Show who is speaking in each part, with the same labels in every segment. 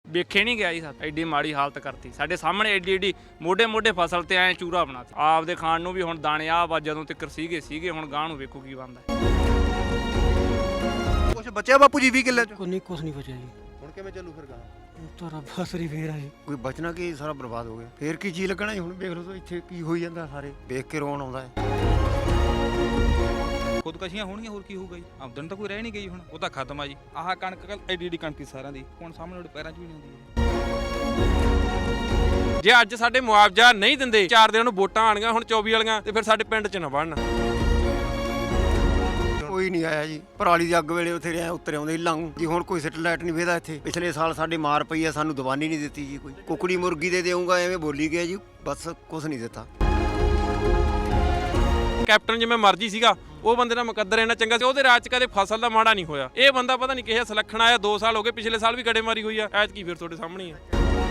Speaker 1: ਵੇਖੇ ਨਹੀਂ ਗਿਆ ਜੀ। ਐਡੀ ਮਾੜੀ ਹਾਲਤ ਕਰਤੀ ਸਾਡੇ ਸਾਹਮਣੇ, ਐਡੀ ਮੋਢੇ ਮੋਢੇ ਫਸਲ ਤੇ ਐ ਚੂਰਾ ਬਣਾਤੀ। ਆਪਦੇ ਖਾਣ ਨੂੰ ਵੀ ਹੁਣ ਦਾਣੇ ਆ ਵਾ ਜਦੋਂ ਤੱਕ ਸੀਗੇ ਹੁਣ ਗਾਂ ਨੂੰ ਵੇਖੋ ਕੀ ਬਣਦਾ।
Speaker 2: ਕੁਛ ਬਚਿਆ ਬਾਪੂ ਜੀ 20 ਕਿੱਲੇ ਚ?
Speaker 3: ਕੁਛ ਨਹੀਂ ਬਚਿਆ ਜੀ।
Speaker 2: ਹੁਣ ਕਿਵੇਂ ਚੱਲੂ ਫਿਰ ਗਾਂ?
Speaker 3: ਤਾਂ ਰੱਬ ਆਸਰੀ ਫੇਰ ਆ ਜੀ।
Speaker 4: ਕੋਈ ਬਚਣਾ ਕੀ, ਸਾਰਾ ਬਰਬਾਦ ਹੋ ਗਿਆ। ਫੇਰ ਕੀ ਜੀ ਲੱਗਣਾ ਜੀ? ਹੁਣ ਵੇਖ ਲਓ ਇੱਥੇ ਕੀ ਹੋਈ ਜਾਂਦਾ, ਸਾਰੇ ਵੇਖ ਕੇ ਰੋਣ ਆਉਂਦਾ ਹੈ।
Speaker 5: ਖੁਦਕਸ਼ੀਆਂ ਹੋਣਗੀਆਂ, ਹੋਰ ਕੀ ਹੋਊਗਾ ਜੀ? ਆਮਦਨ ਤਾਂ ਕੋਈ ਰਹਿ ਨਹੀਂ ਗਈ, ਹੁਣ ਉਹ ਤਾਂ ਖਤਮ ਆ ਜੀ। ਆਹ ਕਣਕ ਐਡੀ ਕਣਕ ਸਾਰਿਆਂ ਦੀ ਹੁਣ ਸਾਹਮਣੇ ਉਹਦੇ ਪੈਰਾਂ 'ਚ ਵੀ ਨਹੀਂ ਹੁੰਦੀ।
Speaker 6: ਜੇ ਅੱਜ ਸਾਡੇ ਮੁਆਵਜ਼ਾ ਨਹੀਂ ਦਿੰਦੇ, 4 ਦਿਨ ਨੂੰ ਵੋਟਾਂ ਆਣੀਆਂ ਹੁਣ 24 ਵਾਲੀਆਂ, ਤੇ ਫਿਰ ਸਾਡੇ ਪਿੰਡ 'ਚ ਨਾ ਵੜਨ।
Speaker 4: ਕੋਈ ਨਹੀਂ ਆਇਆ ਜੀ। ਪਰਾਲੀ ਦੀ ਅੱਗ ਵੇਲੇ ਉੱਥੇ ਉੱਤਰ ਆਉਂਦੇ ਲੰਘ ਜੀ। ਹੁਣ ਕੋਈ ਸੈਟਲਾਈਟ ਨਹੀਂ ਵੇਦਾ ਇੱਥੇ। ਪਿਛਲੇ ਸਾਲ ਸਾਡੇ ਮਾਰ ਪਈ ਆ, ਸਾਨੂੰ ਦਵਾਨੀ ਨਹੀਂ ਦਿੱਤੀ ਜੀ। ਕੋਈ ਕੁਕੜੀ ਮੁਰਗੀ ਦੇ ਦੇਊਂਗਾ ਐਵੇਂ ਬੋਲੀ ਗਿਆ ਜੀ, ਬਸ ਕੁਛ ਨਹੀਂ ਦਿੱਤਾ।
Speaker 6: ਕੈਪਟਨ ਜਿਵੇਂ ਮਰਜੀ ਸੀਗਾ, ਉਹ ਬੰਦੇ ਦਾ ਮੁਕੱਦਰ ਇੰਨਾ ਚੰਗਾ ਸੀ, ਉਹਦੇ ਰਾਜ 'ਚ ਕਦੇ ਫਸਲ ਦਾ ਮਾੜਾ ਨਹੀਂ ਹੋਇਆ। ਇਹ ਬੰਦਾ ਪਤਾ ਨਹੀਂ ਕਿਹੜਾ ਸਲੱਖਣ ਆਇਆ। 2 ਸਾਲ ਹੋ ਗਏ, ਪਿਛਲੇ ਸਾਲ ਵੀ ਗੜੇਮਾਰੀ ਹੋਈ ਆ, ਐਤਕੀ ਫਿਰ ਤੁਹਾਡੇ ਸਾਹਮਣੇ ਹੀ ਆ।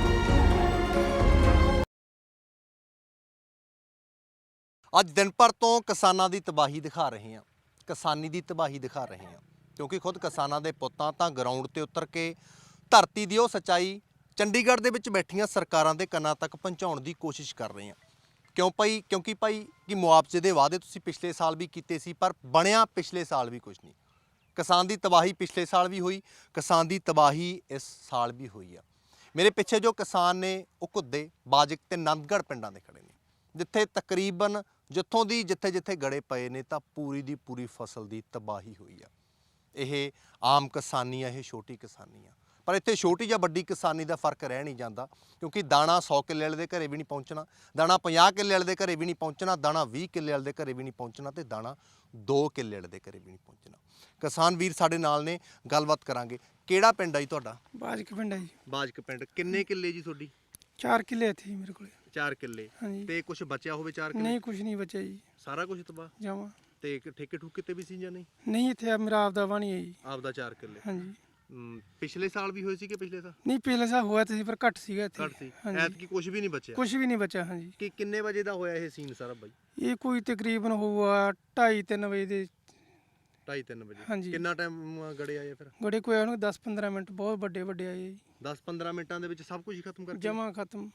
Speaker 2: ਅੱਜ ਦਿਨ ਭਰ ਤੋਂ ਕਿਸਾਨਾਂ ਦੀ ਤਬਾਹੀ ਦਿਖਾ ਰਹੇ ਹਾਂ, ਕਿਸਾਨੀ ਦੀ ਤਬਾਹੀ ਦਿਖਾ ਰਹੇ ਹਾਂ, ਕਿਉਂਕਿ ਖੁਦ ਕਿਸਾਨਾਂ ਦੇ ਪੁੱਤਾਂ ਤਾਂ ਗਰਾਊਂਡ ਤੇ ਉਤਰ ਕੇ ਧਰਤੀ ਦੀ ਉਹ ਸੱਚਾਈ ਚੰਡੀਗੜ੍ਹ ਦੇ ਵਿੱਚ ਬੈਠੀਆਂ ਸਰਕਾਰਾਂ ਦੇ ਕੰਨਾਂ ਤੱਕ ਪਹੁੰਚਾਉਣ ਦੀ ਕੋਸ਼ਿਸ਼ ਕਰ ਰਹੇ ਹਾਂ। ਕਿਉਂਕਿ ਭਾਈ ਕਿ ਮੁਆਵਜ਼ੇ ਦੇ ਵਾਅਦੇ ਤੁਸੀਂ ਪਿਛਲੇ ਸਾਲ ਵੀ ਕੀਤੇ ਸੀ, ਪਰ ਬਣਿਆ ਪਿਛਲੇ ਸਾਲ ਵੀ ਕੁਝ ਨਹੀਂ। ਕਿਸਾਨ ਦੀ ਤਬਾਹੀ ਪਿਛਲੇ ਸਾਲ ਵੀ ਹੋਈ, ਕਿਸਾਨ ਦੀ ਤਬਾਹੀ ਇਸ ਸਾਲ ਵੀ ਹੋਈ ਆ। ਮੇਰੇ ਪਿੱਛੇ ਜੋ ਕਿਸਾਨ ਨੇ ਉਹ ਘੁੱਦੇ, ਬਾਜਕ ਤੇ ਨੰਦਗੜ੍ਹ ਪਿੰਡਾਂ ਦੇ ਖੜੇ ਨੇ, ਜਿੱਥੇ ਤਕਰੀਬਨ ਜਿੱਥੇ ਗੜੇ ਪਏ ਨੇ ਤਾਂ ਪੂਰੀ ਦੀ ਪੂਰੀ ਫਸਲ ਦੀ ਤਬਾਹੀ ਹੋਈ ਆ। ਇਹ ਆਮ ਕਿਸਾਨੀ ਆ, ਇਹ ਛੋਟੀ ਕਿਸਾਨੀ ਆ, ਪਰ ਇੱਥੇ ਛੋਟੀ ਜਾਂ ਵੱਡੀ ਕਿਸਾਨੀ ਦਾ ਫਰਕ ਰਹਿ ਨਹੀਂ ਜਾਂਦਾ, ਕਿਉਂਕਿ ਦਾਣਾ 100 ਕਿੱਲੇ ਵਾਲੇ ਦੇ ਘਰੇ ਵੀ ਨਹੀਂ ਪਹੁੰਚਣਾ, ਦਾਣਾ 50 ਕਿੱਲੇ ਵਾਲੇ ਦੇ ਘਰੇ ਵੀ ਨਹੀਂ ਪਹੁੰਚਣਾ, ਦਾਣਾ 20 ਕਿੱਲੇ ਵਾਲੇ ਦੇ ਘਰੇ ਵੀ ਨਹੀਂ ਪਹੁੰਚਣਾ, ਤੇ ਦਾਣਾ 2 ਕਿੱਲੇ ਵਾਲੇ ਦੇ ਘਰੇ ਵੀ ਨਹੀਂ ਪਹੁੰਚਣਾ। ਕਿਸਾਨ ਵੀਰ ਸਾਡੇ ਨਾਲ ਨੇ, ਗੱਲਬਾਤ ਕਰਾਂਗੇ। ਕਿਹੜਾ ਪਿੰਡ ਆ ਜੀ ਤੁਹਾਡਾ?
Speaker 3: ਬਾਜਕ ਪਿੰਡ ਆ ਜੀ।
Speaker 2: ਬਾਜਕ ਪਿੰਡ। ਕਿੰਨੇ ਕਿੱਲੇ ਜੀ ਤੁਹਾਡੀ?
Speaker 3: 4 ਕਿੱਲੇ ਇੱਥੇ ਜੀ ਮੇਰੇ ਕੋਲੇ।
Speaker 2: 4 ਕਿੱਲੇ।
Speaker 3: ਹਾਂਜੀ।
Speaker 2: ਤੇ ਕੁਝ ਬਚਿਆ ਹੋਵੇ 4 ਕਿੱਲੇ?
Speaker 3: ਨਹੀਂ, ਕੁਝ ਨਹੀਂ ਬਚਿਆ ਜੀ,
Speaker 2: ਸਾਰਾ ਕੁਝ ਤਬਾਹ
Speaker 3: ਜਾਵਾਂ।
Speaker 2: ਤੇ ਠੇਕੇ ਠੁਕੇ ਤੇ ਵੀ ਸੀ ਜਾਂ ਨਹੀਂ?
Speaker 3: ਨਹੀਂ, ਇੱਥੇ ਮੇਰਾ ਆਪਦਾ ਵਾਣੀ ਹੈ ਜੀ।
Speaker 2: ਆਪਦਾ 4 ਕਿੱਲੇ।
Speaker 3: ਹਾਂਜੀ।
Speaker 2: ਪਿਛਲੇ ਸਾਲ ਵੀ ਹੋਏ ਸੀ ਕਿ ਪਿਛਲੇ ਸਾਲ?
Speaker 3: ਨਹੀਂ, ਪਿਛਲੇ ਸਾਲ ਹੋਇਆ ਸੀ, ਪਰ ਘੱਟ ਸੀਗਾ ਇੱਥੇ।
Speaker 2: ਘੱਟ ਸੀ। ਐਤਕੀ ਕੁਝ ਵੀ ਨਹੀਂ ਬਚਿਆ?
Speaker 3: ਕੁਝ ਵੀ ਨਹੀਂ ਬਚਿਆ। ਹਾਂਜੀ।
Speaker 2: ਕਿ ਕਿੰਨੇ ਵਜੇ ਦਾ ਹੋਇਆ ਇਹ ਸੀਨ ਸਾਰਾ ਬਾਈ?
Speaker 3: ਇਹ ਕੋਈ ਤਕਰੀਬਨ ਹੋਊਗਾ 2:30-3 ਵਜੇ ਦੇ।
Speaker 2: 2:30-3 ਵਜੇ।
Speaker 3: ਹਾਂਜੀ।
Speaker 2: ਕਿੰਨਾ ਟਾਈਮ ਗੜੇ ਆਏ ਫਿਰ?
Speaker 3: ਗੜੇ ਕੋਈ ਆਉਣਗੇ 10-15 ਮਿੰਟ, ਬਹੁਤ ਵੱਡੇ ਆਏ ਜੀ।
Speaker 2: 10-15 ਮਿੰਟਾਂ ਦੇ ਵਿੱਚ ਸਭ ਕੁਝ ਖਤਮ ਕਰਕੇ?
Speaker 3: ਜਮਾ ਖਤਮ।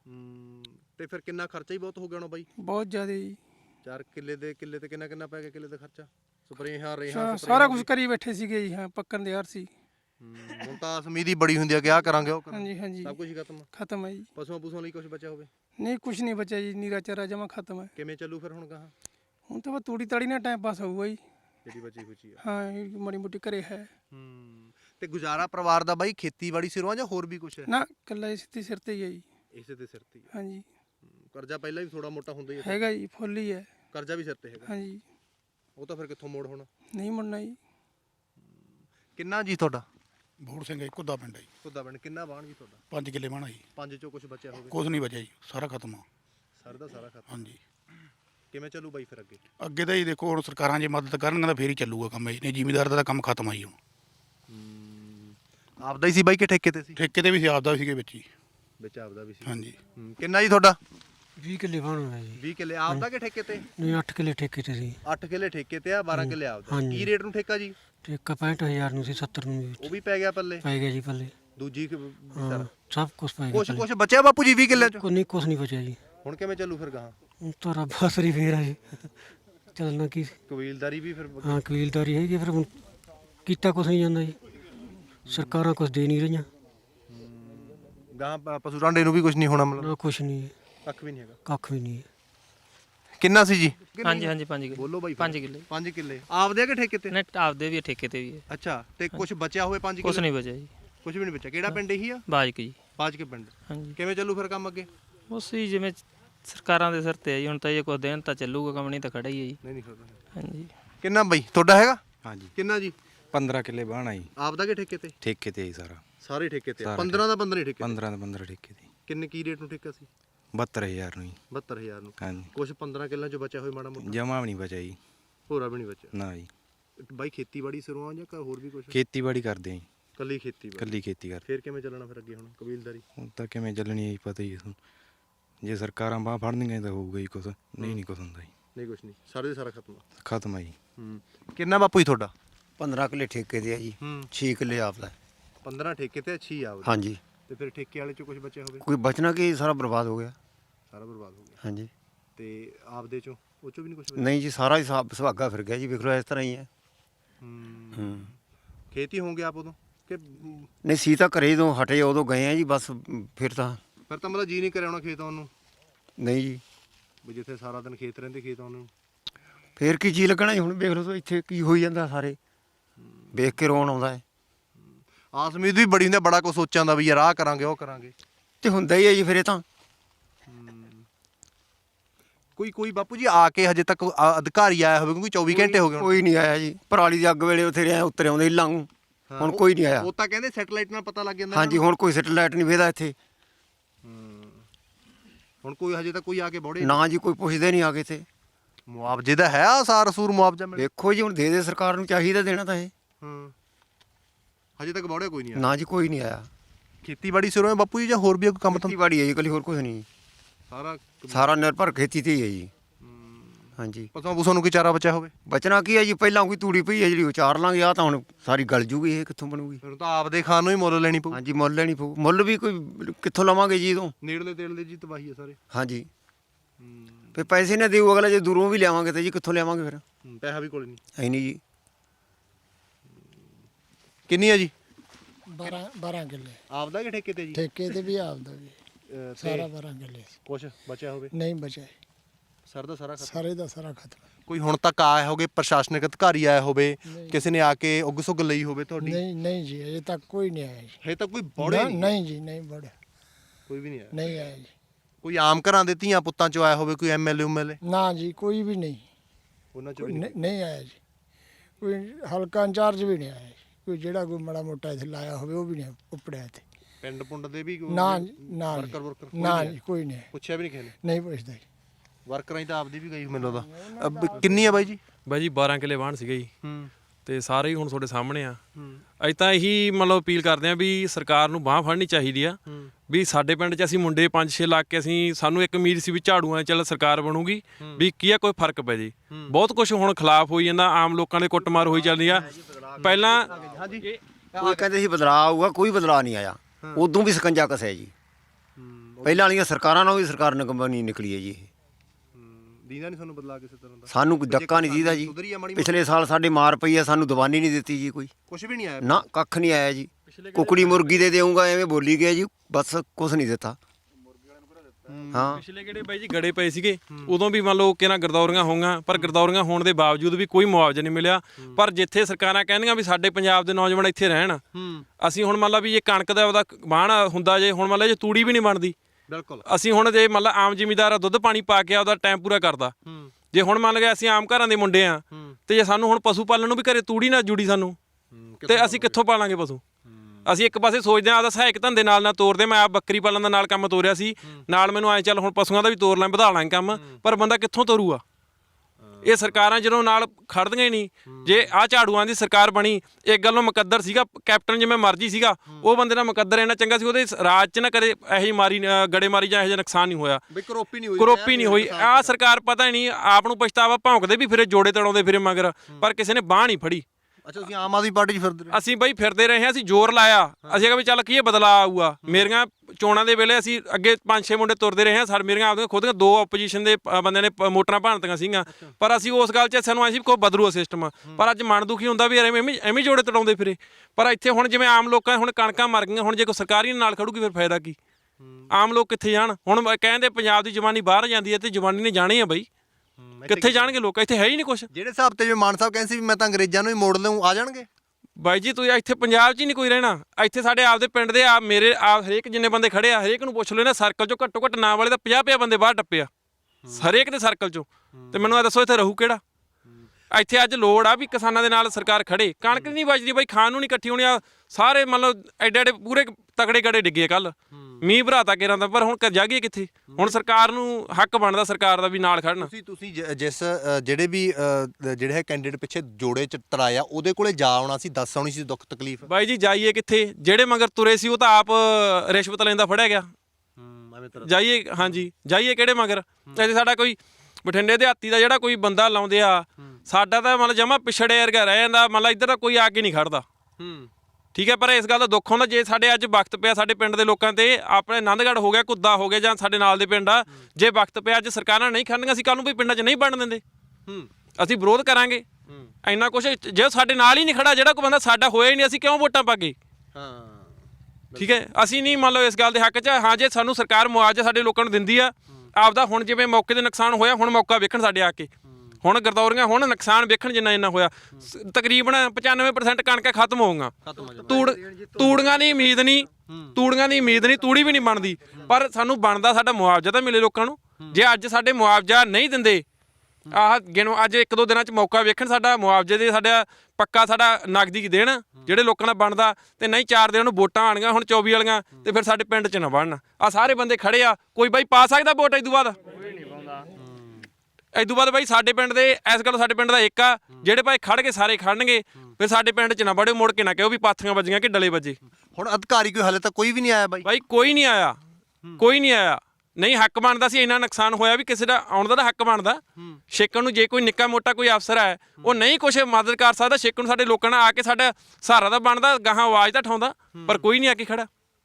Speaker 2: ਤੇ ਫਿਰ ਕਿੰਨਾ ਖਰਚਾ ਹੀ ਬਹੁਤ ਹੋ ਗਿਆ ਹੋਣਾ ਬਾਈ?
Speaker 3: ਬਹੁਤ ਜ਼ਿਆਦਾ ਜੀ।
Speaker 2: 4 ਕਿੱਲੇ ਤੇ ਕਿੰਨਾ ਪੈ ਗਿਆ ਕਿੱਲੇ ਦਾ ਖਰਚਾ? ਸਪਰੇਹਾਂ
Speaker 3: ਸਾਰਾ ਕੁਝ ਕਰੀ ਬੈਠੇ ਸੀਗੇ ਜੀ। ਹਾਂ, ਪੱਕਣ ਦੇ ਯਾਰ ਸੀ।
Speaker 2: ਹੁਣ ਤਾਂ ਉਮੀਦ ਹੀ ਬੜੀ ਹੁੰਦੀ ਆ ਕਿ ਆਹ ਕਰਾਂਗੇ ਉਹ ਕਰਾਂਗੇ।
Speaker 3: ਹਾਂਜੀ।
Speaker 2: ਸਭ ਕੁਝ
Speaker 3: ਖਤਮ ਹੈ ਜੀ।
Speaker 2: ਪਸ਼ੂਆਂ ਲਈ ਕੁਝ ਬਚਿਆ ਹੋਵੇ?
Speaker 3: ਨਹੀਂ, ਕੁਝ ਨਹੀਂ ਬਚਿਆ ਜੀ, ਨੀਰਾ ਚਾਰਾ ਜਮਾ ਖਤਮ ਹੈ।
Speaker 2: ਕਿਵੇਂ ਚੱਲੂ ਫਿਰ ਹੁਣ ਕਹਾਂ?
Speaker 3: ਹੁਣ ਤਾਂ ਬਸ ਤੂੜੀ ਤਾੜੀ ਨਾਲ ਟਾਈਮ ਪਾਸ ਹੋਊਗਾ ਜੀ,
Speaker 2: ਜਿਹੜੀ ਬਚੀ ਖੁਚੀ ਆ।
Speaker 3: ਹਾਂ, ਮਾੜੀ ਮੋਟੀ ਘਰੇ ਹੈ।
Speaker 2: ਤੇ ਗੁਜ਼ਾਰਾ ਪਰਿਵਾਰ ਦਾ ਬਾਈ ਖੇਤੀਬਾੜੀ ਸਿਰੋਂ ਆ ਜਾਂ ਹੋਰ ਵੀ ਕੁਝ ਹੈ?
Speaker 3: ਨਾ, ਇਕੱਲਾ ਇਸੇ ਤੇ ਸਿਰ ਤੇ ਹੀ ਹੈ ਜੀ।
Speaker 2: ਇਸੇ ਤੇ ਸਿਰ ਤੇ ਹੀ ਆ।
Speaker 3: ਹਾਂਜੀ।
Speaker 2: ਕਰਜ਼ਾ ਪਹਿਲਾਂ ਵੀ ਥੋੜਾ ਮੋਟਾ ਹੁੰਦਾ ਹੀ
Speaker 3: ਹੈਗਾ ਜੀ, ਫੁੱਲ ਹੀ ਹੈ।
Speaker 2: ਕਰਜ਼ਾ ਵੀ ਸਿਰ ਤੇ ਹੈਗਾ?
Speaker 3: ਹਾਂਜੀ।
Speaker 2: ਉਹ ਤਾਂ ਫਿਰ ਕਿੱਥੋਂ ਮੋੜ ਹੋਣਾ?
Speaker 3: ਨਹੀਂ ਮੁੜਨਾ ਜੀ।
Speaker 2: ਕਿੰਨਾ ਜੀ ਤੁਹਾਡਾ?
Speaker 7: ਬੂੜ ਸਿੰਘ ਹੈ, ਘੁੱਦਾ ਪਿੰਡ ਹੈ ਜੀ।
Speaker 2: ਘੁੱਦਾ ਪਿੰਡ। ਕਿੰਨਾ ਬਾਣ ਜੀ ਤੁਹਾਡਾ?
Speaker 7: 5 ਕਿੱਲੇ ਬਾਣਾ ਜੀ।
Speaker 2: 5 ਚੋਂ ਕੁਝ ਬਚਿਆ ਹੋਵੇ?
Speaker 7: ਕੁਛ ਨਹੀਂ ਬਚਿਆ ਜੀ, ਸਾਰਾ ਖਤਮ ਆ।
Speaker 2: ਸਾਰਾ ਦਾ ਸਾਰਾ ਖਤਮ।
Speaker 7: ਹਾਂਜੀ।
Speaker 2: ਕਿਵੇਂ ਚੱਲੂ ਬਾਈ ਫਿਰ ਅੱਗੇ?
Speaker 7: ਅੱਗੇ ਤਾਂ ਜੀ ਦੇਖੋ, ਹੁਣ ਸਰਕਾਰਾਂ ਜੇ ਮਦਦ ਕਰਨਗੀਆਂ ਤਾਂ ਫੇਰ ਹੀ ਚੱਲੂਗਾ ਕੰਮ। ਇਹ ਜ਼ਿਮੀਦਾਰ ਦਾ ਤਾਂ ਕੰਮ ਖਤਮ ਆ ਜੀ ਹੁਣ।
Speaker 2: ਆਪਦਾ ਹੀ ਸੀ ਬਾਈ ਕਿ ਠੇਕੇ ਤੇ ਸੀ?
Speaker 7: ਠੇਕੇ ਤੇ ਵੀ ਸੀ, ਆਪਦਾ ਸੀਗੇ ਵਿੱਚ ਹੀ।
Speaker 2: ਵਿੱਚ ਆਪਦਾ ਵੀ ਸੀ।
Speaker 7: ਹਾਂਜੀ।
Speaker 2: ਕਿੰਨਾ ਜੀ ਤੁਹਾਡਾ?
Speaker 3: 20 ਕਿੱਲੇ ਬਾਣਾ ਹੈ ਜੀ।
Speaker 2: 20 ਕਿੱਲੇ ਆਪਦਾ ਕਿ ਠੇਕੇ ਤੇ?
Speaker 3: ਨਹੀਂ, 8 ਕਿੱਲੇ ਠੇਕੇ ਤੇ ਸੀ।
Speaker 2: 8 ਕਿੱਲੇ ਠੇਕੇ ਤੇ ਆ, 12 ਕਿੱਲੇ ਆਪਦਾ। ਕੀ ਰੇਟ ਨੂੰ ਠੇਕਾ ਜੀ?
Speaker 3: ਠੇਕਾ 65,000 ਨੂੰ ਸੀ, 70 ਨੂੰ ਵੀ
Speaker 2: ਉਹ ਵੀ ਪੈ ਗਿਆ ਪੱਲੇ?
Speaker 3: ਪੈ ਗਿਆ ਜੀ ਪੱਲੇ।
Speaker 2: ਦੂਜੀ
Speaker 3: ਸਭ ਕੁਝ ਪੈ ਗਿਆ।
Speaker 2: ਕੁਝ ਬਚਿਆ ਬਾਪੂ ਜੀ 20 ਕਿੱਲੇ ਚ?
Speaker 3: ਕੁਝ ਨਹੀਂ ਬਚਿਆ ਜੀ।
Speaker 2: ਹੁਣ ਕਿਵੇਂ ਚੱਲੂ ਫਿਰ ਗਾਹਾਂ?
Speaker 3: ਹੁਣ ਤਾਂ ਰੱਬ ਆਸਰੀ ਫੇਰ ਆ ਜੀ। ਚੱਲਣਾ ਕੀ?
Speaker 2: ਕਬੀਲਦਾਰੀ ਵੀ ਫਿਰ?
Speaker 3: ਹਾਂ, ਕਬੀਲਦਾਰੀ ਹੈਗੀ, ਫਿਰ ਹੁਣ ਕੀਤਾ ਕੁਝ ਨਹੀਂ ਜਾਂਦਾ ਜੀ। ਸਰਕਾਰਾਂ ਕੁਝ ਦੇ ਨਹੀਂ ਰਹੀਆਂ।
Speaker 2: ਗਾਹਾਂ ਪਸ਼ੂ ਰਾਂਡੇ ਨੂੰ ਵੀ ਕੁਝ ਨਹੀਂ ਹੋਣਾ ਮਤਲਬ?
Speaker 3: ਨਾ, ਕੁਝ ਨਹੀਂ,
Speaker 2: ਕੱਖ ਵੀ ਨਹੀਂ ਹੈਗਾ।
Speaker 3: ਕੱਖ ਵੀ ਨਹੀਂ।
Speaker 2: ਕਿੰਨਾ ਸੀ ਜੀ?
Speaker 8: ਹਾਂਜੀ 5 ਕਿੱਲੇ।
Speaker 2: ਬੋਲੋ ਬਾਈ।
Speaker 8: 5 ਕਿੱਲੇ।
Speaker 2: 5 ਕਿੱਲੇ ਆਪਦੇ ਕਿ ਠੇਕੇ ਤੇ?
Speaker 8: ਨਹੀਂ, ਆਪਦੇ ਵੀ ਠੇਕੇ ਤੇ ਵੀ ਹੈ।
Speaker 2: ਅੱਛਾ। ਤੇ ਕੁਝ ਬਚਿਆ ਹੋਵੇ 5 ਕਿੱਲੇ?
Speaker 8: ਕੁਝ ਨਹੀਂ ਬਚਿਆ ਜੀ।
Speaker 2: ਕੁਝ ਵੀ ਨਹੀਂ ਬਚਿਆ। ਕਿਹੜਾ ਪਿੰਡ ਇਹੀ ਆ?
Speaker 8: ਬਾਜਕ ਜੀ।
Speaker 2: ਬਾਜਕ ਪਿੰਡ।
Speaker 8: ਹਾਂਜੀ।
Speaker 2: ਕਿਵੇਂ ਚੱਲੂ ਫਿਰ ਕੰਮ ਅੱਗੇ?
Speaker 8: ਬਸ ਜੀ, ਜਿਵੇਂ ਸਰਕਾਰਾਂ ਦੇ ਸਿਰ ਤੇ ਹੈ ਜੀ। ਹੁਣ ਤਾਂ ਇਹ ਕੁਝ ਦੇਣ ਤਾਂ ਚੱਲੂਗਾ ਕੰਮ, ਨਹੀਂ ਤਾਂ ਖੜਾ ਹੀ ਹੈ ਜੀ।
Speaker 2: ਨਹੀਂ
Speaker 8: ਹਾਂਜੀ।
Speaker 2: ਕਿੰਨਾ ਬਾਈ ਤੁਹਾਡਾ ਹੈਗਾ?
Speaker 9: ਹਾਂਜੀ।
Speaker 2: ਕਿੰਨਾ ਜੀ?
Speaker 9: 15 ਕਿੱਲੇ ਬਾਣਾ ਜੀ।
Speaker 2: ਆਪਦਾ ਕਿ ਠੇਕੇ ਤੇ?
Speaker 9: ਠੇਕੇ ਤੇ ਹੀ ਸਾਰਾ।
Speaker 2: ਸਾਰੇ ਠੇਕੇ ਤੇ? 15 ਦਾ 15 ਹੀ ਠੇਕੇ?
Speaker 9: 15 ਦਾ 15 ਠੇਕੇ ਤੇ।
Speaker 2: ਕਿੰਨੇ ਕੀ ਰੇਟ ਨੂੰ ਠੇਕਾ ਸੀ?
Speaker 9: 72000 ਨੂੰ ਜੀ।
Speaker 2: 72000 ਨੂੰ।
Speaker 9: ਹਾਂਜੀ।
Speaker 2: ਕੁਝ 15 ਕਿੱਲਿਆਂ ਚ ਬਚਿਆ ਹੋਵੇ ਮਾੜਾ ਮੋਟਾ?
Speaker 9: ਜਮਾ ਵੀ ਨਹੀਂ ਬਚਿਆ ਜੀ।
Speaker 2: ਹੋਰਾ ਵੀ ਨਹੀਂ ਬਚਿਆ?
Speaker 9: ਨਾ ਜੀ।
Speaker 2: ਬਾਈ ਖੇਤੀਬਾੜੀ ਸਿਰੋਂ ਆ ਜਾਂ ਹੋਰ ਵੀ ਕੁਝ?
Speaker 9: ਖੇਤੀਬਾੜੀ ਕਰਦੇ ਆਂ ਜੀ।
Speaker 2: ਕੱਲੀ ਖੇਤੀਬਾੜੀ?
Speaker 9: ਕੱਲੀ ਖੇਤੀ ਕਰਦੇ।
Speaker 2: ਫਿਰ ਕਿਵੇਂ ਚੱਲਣਾ ਫਿਰ ਅੱਗੇ ਹੁਣ ਕਬੀਲਦਾਰੀ?
Speaker 9: ਹੁਣ ਤਾਂ ਕਿਵੇਂ ਚੱਲਣੀ ਹੈ ਜੀ, ਪਤਾ ਹੀ ਹੈ। ਜੇ ਸਰਕਾਰਾਂ ਬਾਹ ਫੜਨਗੀਆਂ ਤਾਂ ਹੋਊਗਾ ਜੀ ਕੁਛ, ਨਹੀਂ ਕੁਛ ਹੁੰਦਾ ਜੀ।
Speaker 2: ਨਹੀਂ ਕੁਝ ਨਹੀਂ, ਸਾਰੇ ਦੇ ਸਾਰਾ ਖਤਮ ਆ?
Speaker 9: ਖਤਮ ਆ ਜੀ।
Speaker 2: ਕਿੰਨਾ ਬਾਪੂ ਜੀ ਤੁਹਾਡਾ?
Speaker 4: 15 ਕਿੱਲੇ ਠੇਕੇ ਤੇ ਆ ਜੀ, 6 ਕਿੱਲੇ ਆਪਦਾ।
Speaker 2: 15 ਠੇਕੇ ਤੇ 6 ਆਪਦਾ?
Speaker 4: ਹਾਂਜੀ।
Speaker 2: ਤੇ ਫਿਰ ਠੇਕੇ ਵਾਲੇ 'ਚ ਕੁਝ ਬਚਿਆ ਹੋਵੇ?
Speaker 4: ਕੋਈ ਬਚਣਾ ਕੀ, ਸਾਰਾ ਬਰਬਾਦ ਹੋ ਗਿਆ।
Speaker 2: ਸਾਰਾ ਬਰਬਾਦ ਹੋ ਗਿਆ।
Speaker 4: ਹਾਂਜੀ।
Speaker 2: ਤੇ ਆਪਦੇ 'ਚੋਂ ਉਹ 'ਚੋਂ ਵੀ ਨਹੀਂ ਕੁਝ
Speaker 4: ਨਹੀਂ ਜੀ, ਸਾਰਾ ਹੀ ਸੁਹਾਗਾ ਫਿਰ ਗਿਆ ਜੀ, ਵੇਖ ਲਓ ਇਸ ਤਰ੍ਹਾਂ ਹੀ ਹੈ।
Speaker 2: ਹੂੰ। ਖੇਤੀ ਹੋਣਗੇ ਆਪ ਉਦੋਂ ਕਿ
Speaker 4: ਨਹੀਂ ਸੀ ਤਾਂ ਘਰੇ ਜਦੋਂ ਹਟੇ ਉਦੋਂ ਗਏ ਆ ਜੀ, ਬਸ ਫਿਰ ਤਾਂ
Speaker 2: ਮਤਲਬ ਜੀ ਨਹੀਂ ਕਰਿਆ ਹੋਣਾ ਖੇਤ ਆਉਣ ਨੂੰ?
Speaker 4: ਨਹੀਂ ਜੀ,
Speaker 2: ਵੀ ਜਿੱਥੇ ਸਾਰਾ ਦਿਨ ਖੇਤ ਰਹਿੰਦੇ ਖੇਤ ਆਉਣ ਨੂੰ।
Speaker 4: ਫਿਰ ਕੀ ਜੀ ਲੱਗਣਾ ਜੀ। ਹੁਣ ਵੇਖ ਲਓ ਇੱਥੇ ਕੀ ਹੋਈ ਜਾਂਦਾ, ਸਾਰੇ ਵੇਖ ਕੇ ਰੋਣ ਆਉਂਦਾ ਹੈ।
Speaker 2: ਆਸ ਉਮੀਦ ਵੀ ਬੜੀ ਹੁੰਦੀ, ਬੜਾ ਕੁਝ ਸੋਚਾਂ ਦਾ ਵੀ ਯਾਰ ਆਹ ਕਰਾਂਗੇ ਉਹ ਕਰਾਂਗੇ,
Speaker 4: ਤੇ ਹੁੰਦਾ ਹੀ ਹੈ ਜੀ ਫਿਰ ਇਹ ਤਾਂ।
Speaker 2: ਕੋਈ ਬਾਪੂ ਜੀ ਆ ਕੇ ਹਜੇ ਤੱਕ ਅਧਿਕਾਰੀ ਆਇਆ ਹੋਵੇ? ਕਿਉਂਕਿ 24 ਘੰਟੇ ਹੋ ਗਏ ਹੁਣ।
Speaker 4: ਕੋਈ ਨਹੀਂ ਆਇਆ ਜੀ। ਪਰਾਲੀ ਦੀ ਅੱਗ ਵੇਲੇ ਉੱਥੇ ਰਿਹਾ ਉੱਤਰ ਆਉਂਦੇ ਲਾਂਗੂ, ਹੁਣ ਕੋਈ ਨਹੀਂ ਆਇਆ।
Speaker 2: ਉਹ ਤਾਂ ਕਹਿੰਦੇ ਸੈਟਲਾਈਟ ਨਾਲ ਪਤਾ ਲੱਗ ਜਾਂਦਾ।
Speaker 4: ਹਾਂਜੀ, ਹੁਣ ਕੋਈ ਸੈਟਲਾਈਟ ਨਹੀਂ ਵੇਦਾ ਇੱਥੇ।
Speaker 2: ਹੁਣ ਕੋਈ ਹਜੇ ਤੱਕ ਕੋਈ ਆ ਕੇ ਬੋੜੇ
Speaker 4: ਨਾ ਜੀ, ਕੋਈ ਪੁੱਛਦੇ ਨਹੀਂ ਆ ਕੇ ਇੱਥੇ।
Speaker 2: ਮੁਆਵਜ਼ੇ ਦਾ ਹੈ ਆਸਾਰ ਸੂਰ ਮੁਆਵਜ਼ਾ ਮਿਲੇ?
Speaker 4: ਵੇਖੋ ਜੀ, ਹੁਣ ਦੇ ਦੇ, ਸਰਕਾਰ ਨੂੰ ਚਾਹੀਦਾ ਦੇਣਾ ਤਾਂ ਇਹ।
Speaker 2: ਹਜੇ ਤੱਕ ਬੋੜੇ ਕੋਈ ਨਹੀਂ ਆਇਆ?
Speaker 4: ਨਾ ਜੀ, ਕੋਈ ਨਹੀਂ ਆਇਆ।
Speaker 2: ਖੇਤੀਬਾੜੀ ਸਿਰੋਂ ਹੈ ਬਾਪੂ ਜੀ ਜਾਂ ਹੋਰ ਵੀ ਕੋਈ ਕੰਮ ਤਾਂ?
Speaker 4: ਖੇਤੀਬਾੜੀ ਹੈ ਜੀ, ਇਕੱਲੀ, ਹੋਰ ਕੁਝ ਨਹੀਂ। ਸਾਰਾ ਨਿਰਭਰ ਖੇਤੀ ਤੇ ਹੀ ਹੈ ਜੀ। ਹਾਂਜੀ।
Speaker 2: ਪਸ਼ੂਆਂ ਪਸ਼ੂਆਂ ਨੂੰ ਕੀ ਚਾਰਾ ਬਚਿਆ ਹੋਵੇ?
Speaker 4: ਬਚਣਾ ਕੀ ਹੈ ਜੀ, ਪਹਿਲਾਂ ਕੋਈ ਤੂੜੀ ਪਈ ਹੈ ਜਿਹੜੀ ਉਹ ਚਾਰ ਲਾਂਗੇ, ਆ ਤਾਂ ਹੁਣ ਸਾਰੀ ਗਲ ਜੂਗੀ, ਇਹ ਕਿੱਥੋਂ ਬਣੂਗੀ?
Speaker 2: ਫਿਰ ਤਾਂ ਆਪਦੇ ਖਾਣ ਨੂੰ ਹੀ ਮੁੱਲ ਲੈਣੀ ਪਊ।
Speaker 4: ਹਾਂਜੀ, ਮੁੱਲ ਲੈਣੀ ਪਊ। ਮੁੱਲ ਵੀ ਕੋਈ ਕਿੱਥੋਂ ਲਵਾਂਗੇ ਜੀ ਇਦੋਂ?
Speaker 2: ਨੇੜਲੇ ਤੇੜਲੇ ਜੀ ਤਬਾਹੀ ਹੈ ਸਾਰੇ।
Speaker 4: ਹਾਂਜੀ। ਫਿਰ ਪੈਸੇ ਨਾ ਦਿਓ ਅਗਲਾ, ਜੇ ਦੂਰੋਂ ਵੀ ਲਿਆਵਾਂਗੇ ਤੇ ਜੀ ਕਿੱਥੋਂ ਲਿਆਵਾਂਗੇ ਫਿਰ?
Speaker 2: ਪੈਸਾ ਵੀ ਕੋਲ ਨਹੀਂ
Speaker 4: ਹੈ ਨਹੀਂ ਜੀ।
Speaker 2: ਕਿੰਨੀ ਹੈ ਜੀ?
Speaker 3: 12 ਕਿੱਲੇ
Speaker 2: ਆਪਦਾ ਕਿ ਠੇਕੇ ਤੇ ਜੀ?
Speaker 3: ਠੇਕੇ ਤੇ ਵੀ ਆਪਦਾ ਵੀ ਸਾਰਾ 12 ਕਿੱਲੇ
Speaker 2: ਕੁਛ ਬਚਿਆ ਹੋਵੇ?
Speaker 3: ਨਹੀਂ ਬਚੇ,
Speaker 2: ਸਰ ਦਾ ਸਾਰਾ
Speaker 3: ਸਾਰੇ ਦਾ ਸਾਰਾ ਖਤਮ।
Speaker 2: ਕੋਈ ਹੁਣ ਤੱਕ ਆਇਆ ਹੋਵੇ, ਪ੍ਰਸ਼ਾਸਨਿਕ ਅਧਿਕਾਰੀ ਆਇਆ ਹੋਵੇ, ਕਿਸੇ ਨੇ ਆ ਕੇ ਉੱਗ ਸੁੱਗ ਲਈ ਹੋਵੇ ਤੁਹਾਡੀ?
Speaker 3: ਨਹੀਂ ਜੀ, ਅਜੇ ਤੱਕ ਕੋਈ ਨਹੀਂ ਆਇਆ ਜੀ।
Speaker 2: ਹਜੇ ਤੱਕ ਕੋਈ ਬੋੜੇ
Speaker 3: ਨਹੀਂ ਜੀ, ਨਹੀਂ ਬੜੇ,
Speaker 2: ਕੋਈ ਵੀ ਨਹੀਂ ਆਇਆ?
Speaker 3: ਨਹੀਂ ਆਇਆ ਜੀ।
Speaker 2: ਕੋਈ ਆਮ ਘਰਾਂ ਦੇ ਧੀਆਂ ਪੁੱਤਾਂ ਚੋਂ ਆਇਆ ਹੋਵੇ, ਕੋਈ ਐਮਐਲਏ ਉਮਐਲਏ?
Speaker 3: ਨਾ ਜੀ, ਕੋਈ ਵੀ ਨਹੀਂ,
Speaker 2: ਉਹਨਾਂ ਚੋਂ ਵੀ
Speaker 3: ਨਹੀਂ ਆਇਆ ਜੀ। ਕੋਈ ਹਲਕਾ ਇੰਚਾਰਜ ਵੀ ਨਹੀਂ ਆਇਆ ਜੀ। ਕੋਈ ਜਿਹੜਾ ਕੋਈ ਮਾੜਾ ਮੋਟਾ ਇੱਥੇ ਲਾਇਆ ਹੋਵੇ ਉਹ ਵੀ ਨਹੀਂ ਉੱਪੜਿਆ ਇੱਥੇ।
Speaker 2: ਪਿੰਡ ਪੁੰਡ ਦੇ ਵੀ
Speaker 3: ਨਾ ਨਾ ਨਾ ਜੀ, ਕੋਈ ਨਹੀਂ
Speaker 2: ਪੁੱਛਿਆ ਵੀ ਨਹੀਂ ਕਿਸੇ ਨੇ?
Speaker 3: ਨਹੀਂ ਪੁੱਛਦਾ ਜੀ।
Speaker 2: ਵਰਕਰਾਂ ਦੀ ਤਾਂ ਆਪਦੀ ਵੀ ਗਈ ਮੈਨੂੰ ਲੱਗਦਾ। ਕਿੰਨੀ ਆ ਬਾਈ ਜੀ?
Speaker 6: ਬਾਈ ਜੀ 12 ਕਿੱਲੇ ਵਾਹਣ ਸੀਗਾ ਜੀ, ਤੇ ਸਾਰੇ ਹੀ ਹੁਣ ਤੁਹਾਡੇ ਸਾਹਮਣੇ ਆ। ਅਸੀਂ ਤਾਂ ਇਹੀ ਮਤਲਬ ਅਪੀਲ ਕਰਦੇ ਆ ਵੀ ਸਰਕਾਰ ਨੂੰ ਬਾਂਹ ਫੜਨੀ ਚਾਹੀਦੀ ਆ। ਵੀ ਸਾਡੇ ਪਿੰਡ 'ਚ ਅਸੀਂ ਮੁੰਡੇ 5-6 ਲਾ ਕੇ ਸਾਨੂੰ ਇੱਕ ਉਮੀਦ ਸੀ ਵੀ ਝਾੜੂਆਂ ਚੱਲ ਸਰਕਾਰ ਬਣੂਗੀ, ਵੀ ਕੀ ਆ ਕੋਈ ਫਰਕ ਪੈ ਜੇ। ਬਹੁਤ ਕੁਝ ਹੁਣ ਖਿਲਾਫ ਹੋਈ ਜਾਂਦਾ, ਆਮ ਲੋਕਾਂ ਦੇ ਕੁੱਟਮਾਰ ਹੋਈ ਜਾਂਦੀ ਆ। ਪਹਿਲਾਂ
Speaker 4: ਕੋਈ ਕਹਿੰਦੇ ਸੀ ਬਦਲਾਅ ਆਊਗਾ, ਕੋਈ ਬਦਲਾਅ ਨਹੀਂ ਆਇਆ। ਉਦੋਂ ਵੀ ਸਕੰਜਾ ਕਸਿਆ ਜੀ। ਪਹਿਲਾਂ ਵਾਲੀਆਂ ਸਰਕਾਰਾਂ ਨਾਲ ਵੀ ਸਰਕਾਰ ਨਿਕੰਮੀ ਨਹੀਂ ਨਿਕਲੀ ਹੈ ਜੀ।
Speaker 2: ਦੀਦਾ ਨਹੀਂ ਤੁਹਾਨੂੰ ਬਦਲਾ ਕਿਸੇ ਤਰ੍ਹਾਂ ਦਾ?
Speaker 4: ਸਾਨੂੰ ਕੋਈ ਡੱਕਾ ਨਹੀਂ ਦੀਦਾ ਜੀ। ਪਿਛਲੇ ਸਾਲ ਸਾਡੇ ਮਾਰ ਪਈ ਆ, ਸਾਨੂੰ ਦਵਾਨੀ ਨਹੀਂ ਦਿੱਤੀ ਜੀ ਕੋਈ।
Speaker 2: ਕੁਝ ਵੀ ਨਹੀਂ ਆਇਆ?
Speaker 4: ਨਾ, ਕੱਖ ਨਹੀਂ ਆਇਆ ਜੀ। ਕੁਕੜੀ ਮੁਰਗੀ ਦੇ ਦੇਊਂਗਾ ਐਵੇਂ ਬੋਲੀ ਗਿਆ ਜੀ, ਬਸ ਕੁਝ ਨਹੀਂ ਦਿੱਤਾ। ਹਾਂ,
Speaker 6: ਪਿਛਲੇ ਕਿਹੜੇ ਬਾਈ ਜੀ ਗੜੇ ਪਏ ਸੀਗੇ, ਉਦੋਂ ਵੀ ਮੰਨ ਲਓ ਕਿ ਨਾ ਗਰਦੌਰੀਆਂ ਹੋਈਆਂ, ਪਰ ਗਰਦੌਰੀਆਂ ਹੋਣ ਦੇ ਬਾਵਜੂਦ ਵੀ ਕੋਈ ਮੁਆਵਜ਼ਾ ਨਹੀਂ ਮਿਲਿਆ। ਪਰ ਜਿੱਥੇ ਸਰਕਾਰਾਂ ਕਹਿੰਦੀਆਂ ਵੀ ਸਾਡੇ ਪੰਜਾਬ ਦੇ ਨੌਜਵਾਨ ਇੱਥੇ ਰਹਿਣ, ਅਸੀਂ ਹੁਣ ਮੰਨ ਲਾ ਵੀ ਇਹ ਕਣਕ ਦਾ ਉਹਦਾ ਬਾਣ ਹੁੰਦਾ, ਜੇ ਹੁਣ ਮੰਨ ਲਾ ਜੇ ਤੂੜੀ ਵੀ ਨਹੀਂ ਬਣਦੀ,
Speaker 2: ਬਿਲਕੁਲ
Speaker 6: ਅਸੀਂ ਹੁਣ ਜੇ ਮੰਨ ਲਾ ਆਮ ਜ਼ਿਮੀਂਦਾਰ ਦੁੱਧ ਪਾਣੀ ਪਾ ਕੇ ਉਹਦਾ ਟਾਈਮ ਪੂਰਾ ਕਰਦਾ, ਜੇ ਹੁਣ ਮੰਨ ਲਓ ਅਸੀਂ ਆਮ ਘਰਾਂ ਦੇ ਮੁੰਡੇ ਆ, ਤੇ ਜੇ ਸਾਨੂੰ ਹੁਣ ਪਸ਼ੂ ਪਾਲਣ ਨੂੰ ਵੀ ਘਰੇ ਤੂੜੀ ਨਾ ਜੁੜੀ ਸਾਨੂੰ, ਤੇ ਅਸੀਂ ਕਿੱਥੋਂ ਪਾਲਾਂਗੇ ਪਸ਼ੂ? ਅਸੀਂ ਇੱਕ ਪਾਸੇ ਸੋਚਦੇ ਹਾਂ ਆਦਾ ਸਹਾਇਕ ਧੰਦੇ ਨਾਲ ਤੋਰਦੇ। ਮੈਂ ਆਪ ਬੱਕਰੀ ਪਾਲਣ ਦਾ ਨਾਲ ਕੰਮ ਤੋਰਿਆ ਸੀ, ਨਾਲ ਮੈਨੂੰ ਐਂ ਚੱਲ ਹੁਣ ਪਸ਼ੂਆਂ ਦਾ ਵੀ ਤੋਰ ਲਾਂ, ਵਧਾ ਲਾਂਗੇ ਕੰਮ, ਪਰ ਬੰਦਾ ਕਿੱਥੋਂ ਤੋਰੂਗਾ? ਇਹ ਸਰਕਾਰਾਂ ਜਦੋਂ ਨਾਲ ਖੜਦੀਆਂ ਹੀ ਨਹੀਂ। ਜੇ ਆਹ ਝਾੜੂਆਂ ਦੀ ਸਰਕਾਰ ਬਣੀ, ਇੱਕ ਗੱਲੋਂ ਮੁਕੱਦਰ ਸੀਗਾ ਕੈਪਟਨ, ਜਿਵੇਂ ਮਰਜ਼ੀ ਸੀਗਾ, ਉਹ ਬੰਦੇ ਦਾ ਮੁਕੱਦਰ ਇੰਨਾ ਚੰਗਾ ਸੀ, ਉਹਦੇ ਰਾਜ 'ਚ ਨਾ ਕਦੇ ਇਹੋ ਜਿਹੀ ਮਾਰੀ ਗੜੇਮਾਰੀ ਜਾਂ ਇਹੋ ਜਿਹਾ ਨੁਕਸਾਨ ਨਹੀਂ ਹੋਇਆ, ਕਰੋਪੀ ਨਹੀਂ ਹੋਈ। ਆਹ ਸਰਕਾਰ ਪਤਾ ਹੀ ਨਹੀਂ, ਆਪ ਨੂੰ ਪਛਤਾਵਾ, ਭੌਂਕਦੇ ਵੀ ਫਿਰੇ, ਜੋੜੇ ਤੜਾਉਂਦੇ ਫਿਰੇ ਮਗਰ, ਪਰ ਕਿਸੇ ਨੇ ਬਾਂਹ ਨਹੀਂ ਫੜੀ।
Speaker 2: ਅੱਛਾ, ਤੁਸੀਂ ਆਮ ਆਦਮੀ ਪਾਰਟੀ 'ਚ ਫਿਰਦੇ ਰਹੇ?
Speaker 6: ਅਸੀਂ ਬਈ ਫਿਰਦੇ ਰਹੇ ਹਾਂ, ਅਸੀਂ ਜ਼ੋਰ ਲਾਇਆ, ਅਸੀਂ ਕਿਹਾ ਵੀ ਚੱਲ ਕੀ ਬਦਲਾਅ ਆਊਗਾ। ਮੇਰੀਆਂ ਚੋਣਾਂ ਦੇ ਵੇਲੇ ਅਸੀਂ ਅੱਗੇ 5-6 ਮੁੰਡੇ ਤੁਰਦੇ ਰਹੇ ਹਾਂ, ਮੇਰੀਆਂ ਆਪਦੀਆਂ ਖੁਦ 2 ਆਪੋਜੀਸ਼ਨ ਦੇ ਬੰਦਿਆਂ ਨੇ ਮੋਟਰਾਂ ਭਾਣਤੀਆਂ ਸੀਗੀਆਂ, ਪਰ ਅਸੀਂ ਉਸ ਗੱਲ 'ਚ ਸਾਨੂੰ ਅਸੀਂ ਕੋਈ ਬਦਲੂ ਸਿਸਟਮ। ਪਰ ਅੱਜ ਮਨ ਦੁਖੀ ਹੁੰਦਾ ਵੀ ਯਾਰ ਐਵੇਂ ਜੋੜੇ ਤੜਾਉਂਦੇ ਫਿਰੇ। ਪਰ ਇੱਥੇ ਹੁਣ ਜਿਵੇਂ ਆਮ ਲੋਕਾਂ ਹੁਣ ਕਣਕਾਂ ਮਰ ਗਈਆਂ, ਹੁਣ ਜੇ ਕੋਈ ਸਰਕਾਰੀ ਨਾਲ ਖੜੂਗੀ ਫਿਰ ਫਾਇਦਾ ਕੀ? ਆਮ ਲੋਕ ਕਿੱਥੇ ਜਾਣ? ਹੁਣ ਕਹਿੰਦੇ ਪੰਜਾਬ ਦੀ ਜਵਾਨੀ ਬਾਹਰ ਜਾਂਦੀ ਹੈ, ਤੇ ਜਵਾਨੀ ਨੇ ਜਾਣੀ ਆ ਬਈ, ਕਿੱਥੇ ਜਾਣਗੇ ਲੋਕ? ਇੱਥੇ ਹੈ ਹੀ ਨਹੀਂ ਕੁਛ।
Speaker 2: ਜਿਹੜੇ ਹਿਸਾਬ ਤੇ ਜਿਵੇਂ ਮਾਨ ਸਾਹਿਬ ਕਹਿੰਦੇ ਸੀ ਵੀ ਮੈਂ ਤਾਂ ਅੰਗਰੇਜ਼ਾਂ ਨੂੰ ਹੀ ਮੋੜ ਲਊਂ, ਆ ਜਾਣਗੇ
Speaker 6: ਬਾਈ ਜੀ? ਤੁਸੀਂ ਇੱਥੇ ਪੰਜਾਬ 'ਚ ਹੀ ਨਹੀਂ ਕੋਈ ਰਹਿਣਾ। ਇੱਥੇ ਸਾਡੇ ਆਪਦੇ ਪਿੰਡ ਦੇ ਮੇਰੇ ਹਰੇਕ ਜਿੰਨੇ ਬੰਦੇ ਖੜੇ ਆ, ਹਰੇਕ ਨੂੰ ਪੁੱਛ ਲਓ, ਇਹਨਾਂ ਸਰਕਲ 'ਚੋਂ ਘੱਟੋ ਘੱਟ ਨਾਂ ਵਾਲੇ ਤਾਂ 50 ਬੰਦੇ ਬਾਹਰ ਟੱਪੇ ਆ, ਹਰੇਕ ਦੇ ਸਰਕਲ 'ਚੋਂ। ਤੇ ਮੈਨੂੰ ਇਹ ਦੱਸੋ ਇੱਥੇ ਰਹੂ ਕਿਹੜਾ? ਇੱਥੇ ਅੱਜ ਲੋੜ ਆ ਵੀ ਕਿਸਾਨਾਂ ਦੇ ਨਾਲ ਸਰਕਾਰ ਖੜੇ। ਕਣਕ ਨਹੀਂ ਬਚਦੀ ਬਾਈ, ਖਾਣ ਨੂੰ ਨਹੀਂ ਇਕੱਠੀ ਹੋਣੀ। ਆ ਸਾਰੇ ਮਤਲਬ ਐਡੇ ਐਡੇ ਪੂਰੇ ਤਗੜੇ ਗੜੇ ਡਿੱਗੇ ਕੱਲ, ਮੀਂਹ ਭਰਾਤਾ ਕੇਰਾਂ ਦਾ, ਪਰ ਹੁਣ ਜਾਗੀਏ ਕਿੱਥੇ? ਹੁਣ ਸਰਕਾਰ ਨੂੰ ਹੱਕ ਬਣਦਾ ਸਰਕਾਰ ਦਾ ਵੀ ਨਾਲ ਖੜਨ।
Speaker 2: ਤੁਸੀਂ ਜਿਸ ਜਿਹੜੇ ਵੀ ਜਿਹੜੇ ਹੈ ਕੈਂਡੀਡੇਟ ਪਿੱਛੇ ਜੋੜੇ ਚ ਤਰਾਇਆ, ਉਹਦੇ ਕੋਲੇ ਜਾ ਆਉਣਾ ਸੀ, ਦੱਸ ਆਉਣੀ ਸੀ ਦੁੱਖ ਤਕਲੀਫ।
Speaker 6: ਬਾਈ ਜੀ ਜਾਈਏ ਕਿੱਥੇ? ਜਿਹੜੇ ਮਗਰ ਤੁਰੇ ਸੀ ਉਹ ਤਾਂ ਆਪ ਰਿਸ਼ਵਤ ਲੈਂਦਾ ਫੜਿਆ ਗਿਆ। ਜਾਈਏ, ਹਾਂਜੀ ਜਾਈਏ ਕਿਹੜੇ ਮਗਰ? ਇੱਥੇ ਸਾਡਾ ਕੋਈ ਬਠਿੰਡੇ ਦਿਹਾਤੀ ਦਾ ਜਿਹੜਾ ਕੋਈ ਬੰਦਾ ਲਾਉਂਦੇ ਆ, ਸਾਡਾ ਤਾਂ ਮਤਲਬ ਜਮਾ ਪਿਛੜੇ ਵਰਗਾ ਰਹਿ ਜਾਂਦਾ, ਮਤਲਬ ਇੱਧਰ ਤਾਂ ਕੋਈ ਆ ਕੇ ਨਹੀਂ ਖੜਦਾ। ਠੀਕ ਹੈ, ਪਰ ਇਸ ਗੱਲ ਦਾ ਦੁੱਖ ਹੁੰਦਾ ਜੇ ਸਾਡੇ ਅੱਜ ਵਕਤ ਪਿਆ ਸਾਡੇ ਪਿੰਡ ਦੇ ਲੋਕਾਂ ਤੇ, ਆਪਣੇ ਆਨੰਦਗੜ੍ਹ ਹੋ ਗਿਆ, ਘੁੱਦਾ ਹੋ ਗਿਆ, ਜਾਂ ਸਾਡੇ ਨਾਲ ਦੇ ਪਿੰਡ ਆ, ਜੇ ਵਕਤ ਪਿਆ ਅੱਜ ਸਰਕਾਰਾਂ ਨਹੀਂ ਖੜਨਗੀਆਂ, ਅਸੀਂ ਕੱਲ ਨੂੰ ਵੀ ਪਿੰਡਾਂ 'ਚ ਨਹੀਂ ਬਣ ਦਿੰਦੇ, ਅਸੀਂ ਵਿਰੋਧ ਕਰਾਂਗੇ। ਇੰਨਾ ਕੁਛ ਜੇ ਸਾਡੇ ਨਾਲ ਹੀ ਨਹੀਂ ਖੜਾ, ਜਿਹੜਾ ਕੋਈ ਬੰਦਾ ਸਾਡਾ ਹੋਇਆ ਹੀ ਨਹੀਂ, ਅਸੀਂ ਕਿਉਂ ਵੋਟਾਂ ਪਾਗੇ? ਠੀਕ ਹੈ, ਅਸੀਂ ਨਹੀਂ ਮੰਨ ਲਓ ਇਸ ਗੱਲ ਦੇ ਹੱਕ 'ਚ। ਹਾਂ, ਜੇ ਸਾਨੂੰ ਸਰਕਾਰ ਮੁਆਵਜ਼ਾ ਸਾਡੇ ਲੋਕਾਂ ਨੂੰ ਦਿੰਦੀ ਆ ਆਪਦਾ, ਹੁਣ ਜਿਵੇਂ ਮੌਕੇ ਤੇ ਨੁਕਸਾਨ ਹੋਇਆ, ਹੁਣ ਮੌਕਾ ਵੇਖਣ ਸਾਡੇ ਆ ਕੇ, ਹੁਣ ਗਰਦੌਰੀਆਂ, ਹੁਣ ਨੁਕਸਾਨ ਵੇਖਣ ਜਿੰਨਾ ਹੋਇਆ। ਤਕਰੀਬਨ 95% ਕਣਕਾਂ ਖਤਮ ਹੋਊਗਾ। ਤੂੜੀਆਂ ਦੀ ਉਮੀਦ ਨਹੀਂ, ਤੂੜੀ ਵੀ ਨਹੀਂ ਬਣਦੀ, ਪਰ ਸਾਨੂੰ ਬਣਦਾ ਸਾਡਾ ਮੁਆਵਜ਼ਾ ਤਾਂ ਮਿਲੇ ਲੋਕਾਂ ਨੂੰ। ਜੇ ਅੱਜ ਸਾਡੇ ਮੁਆਵਜ਼ਾ ਨਹੀਂ ਦਿੰਦੇ, ਆਹ ਗਿਣੋ ਅੱਜ 1-2 ਦਿਨਾਂ 'ਚ ਮੌਕਾ ਵੇਖਣ ਸਾਡਾ ਮੁਆਵਜ਼ੇ ਦੇ, ਸਾਡਾ ਪੱਕਾ ਸਾਡਾ ਨਗਦੀ ਦੇਣ ਜਿਹੜੇ ਲੋਕਾਂ ਦਾ ਬਣਦਾ, ਤੇ ਨਹੀਂ 4 ਦਿਨ ਨੂੰ ਵੋਟਾਂ ਆਣਗੀਆਂ ਹੁਣ 24 ਵਾਲੀਆਂ, ਤੇ ਫਿਰ ਸਾਡੇ ਪਿੰਡ 'ਚ ਨਾ ਬਣਨ। ਆ ਸਾਰੇ ਬੰਦੇ ਖੜੇ ਆ, ਕੋਈ ਬਾਈ ਪਾ ਸਕਦਾ ਵੋਟ ਇਸ ਤੋਂ ਬਾਅਦ? ਇਸ ਤੋਂ ਬਾਅਦ ਬਾਈ ਸਾਡੇ ਪਿੰਡ ਦੇ ਇਸ ਗੱਲ, ਸਾਡੇ ਪਿੰਡ ਦਾ ਇੱਕ ਆ, ਜਿਹੜੇ ਭਾਈ ਖੜ ਕੇ ਸਾਰੇ ਖੜਨਗੇ, ਫਿਰ ਸਾਡੇ ਪਿੰਡ 'ਚ ਨਾ ਬੜੇ ਮੁੜ ਕੇ ਨਾ ਕਿਹੋ ਵੀ ਪਾਥੀਆਂ ਵੱਜੀਆਂ ਕਿ ਡਲੇ ਵੱਜੇ।
Speaker 2: ਹੁਣ ਅਧਿਕਾਰੀ ਕੋਈ ਹਾਲੇ ਤੱਕ ਕੋਈ ਵੀ ਨਹੀਂ ਆਇਆ ਬਾਈ?
Speaker 6: ਕੋਈ ਨਹੀਂ ਆਇਆ, ਕੋਈ ਨਹੀਂ ਆਇਆ। ਨਹੀਂ ਹੱਕ ਬਣਦਾ ਸੀ, ਇੰਨਾ ਨੁਕਸਾਨ ਹੋਇਆ ਵੀ ਕਿਸੇ ਦਾ ਆਉਣ ਦਾ ਹੱਕ ਬਣਦਾ। ਛੇਕਣ ਨੂੰ ਜੇ ਕੋਈ ਨਿੱਕਾ ਮੋਟਾ ਕੋਈ ਅਫਸਰ ਹੈ, ਉਹ ਨਹੀਂ ਕੁਛ ਮਦਦ ਕਰ ਸਕਦਾ, ਛੇਕਣ ਨੂੰ ਸਾਡੇ ਲੋਕਾਂ ਨਾਲ ਆ ਕੇ ਸਾਡਾ ਸਹਾਰਾ ਤਾਂ ਬਣਦਾ, ਗਾਹਾਂ ਆਵਾਜ਼ ਤਾਂ ਉਠਾਉਂਦਾ, ਪਰ ਕੋਈ ਨਹੀਂ ਆ ਕੇ ਖੜਾ।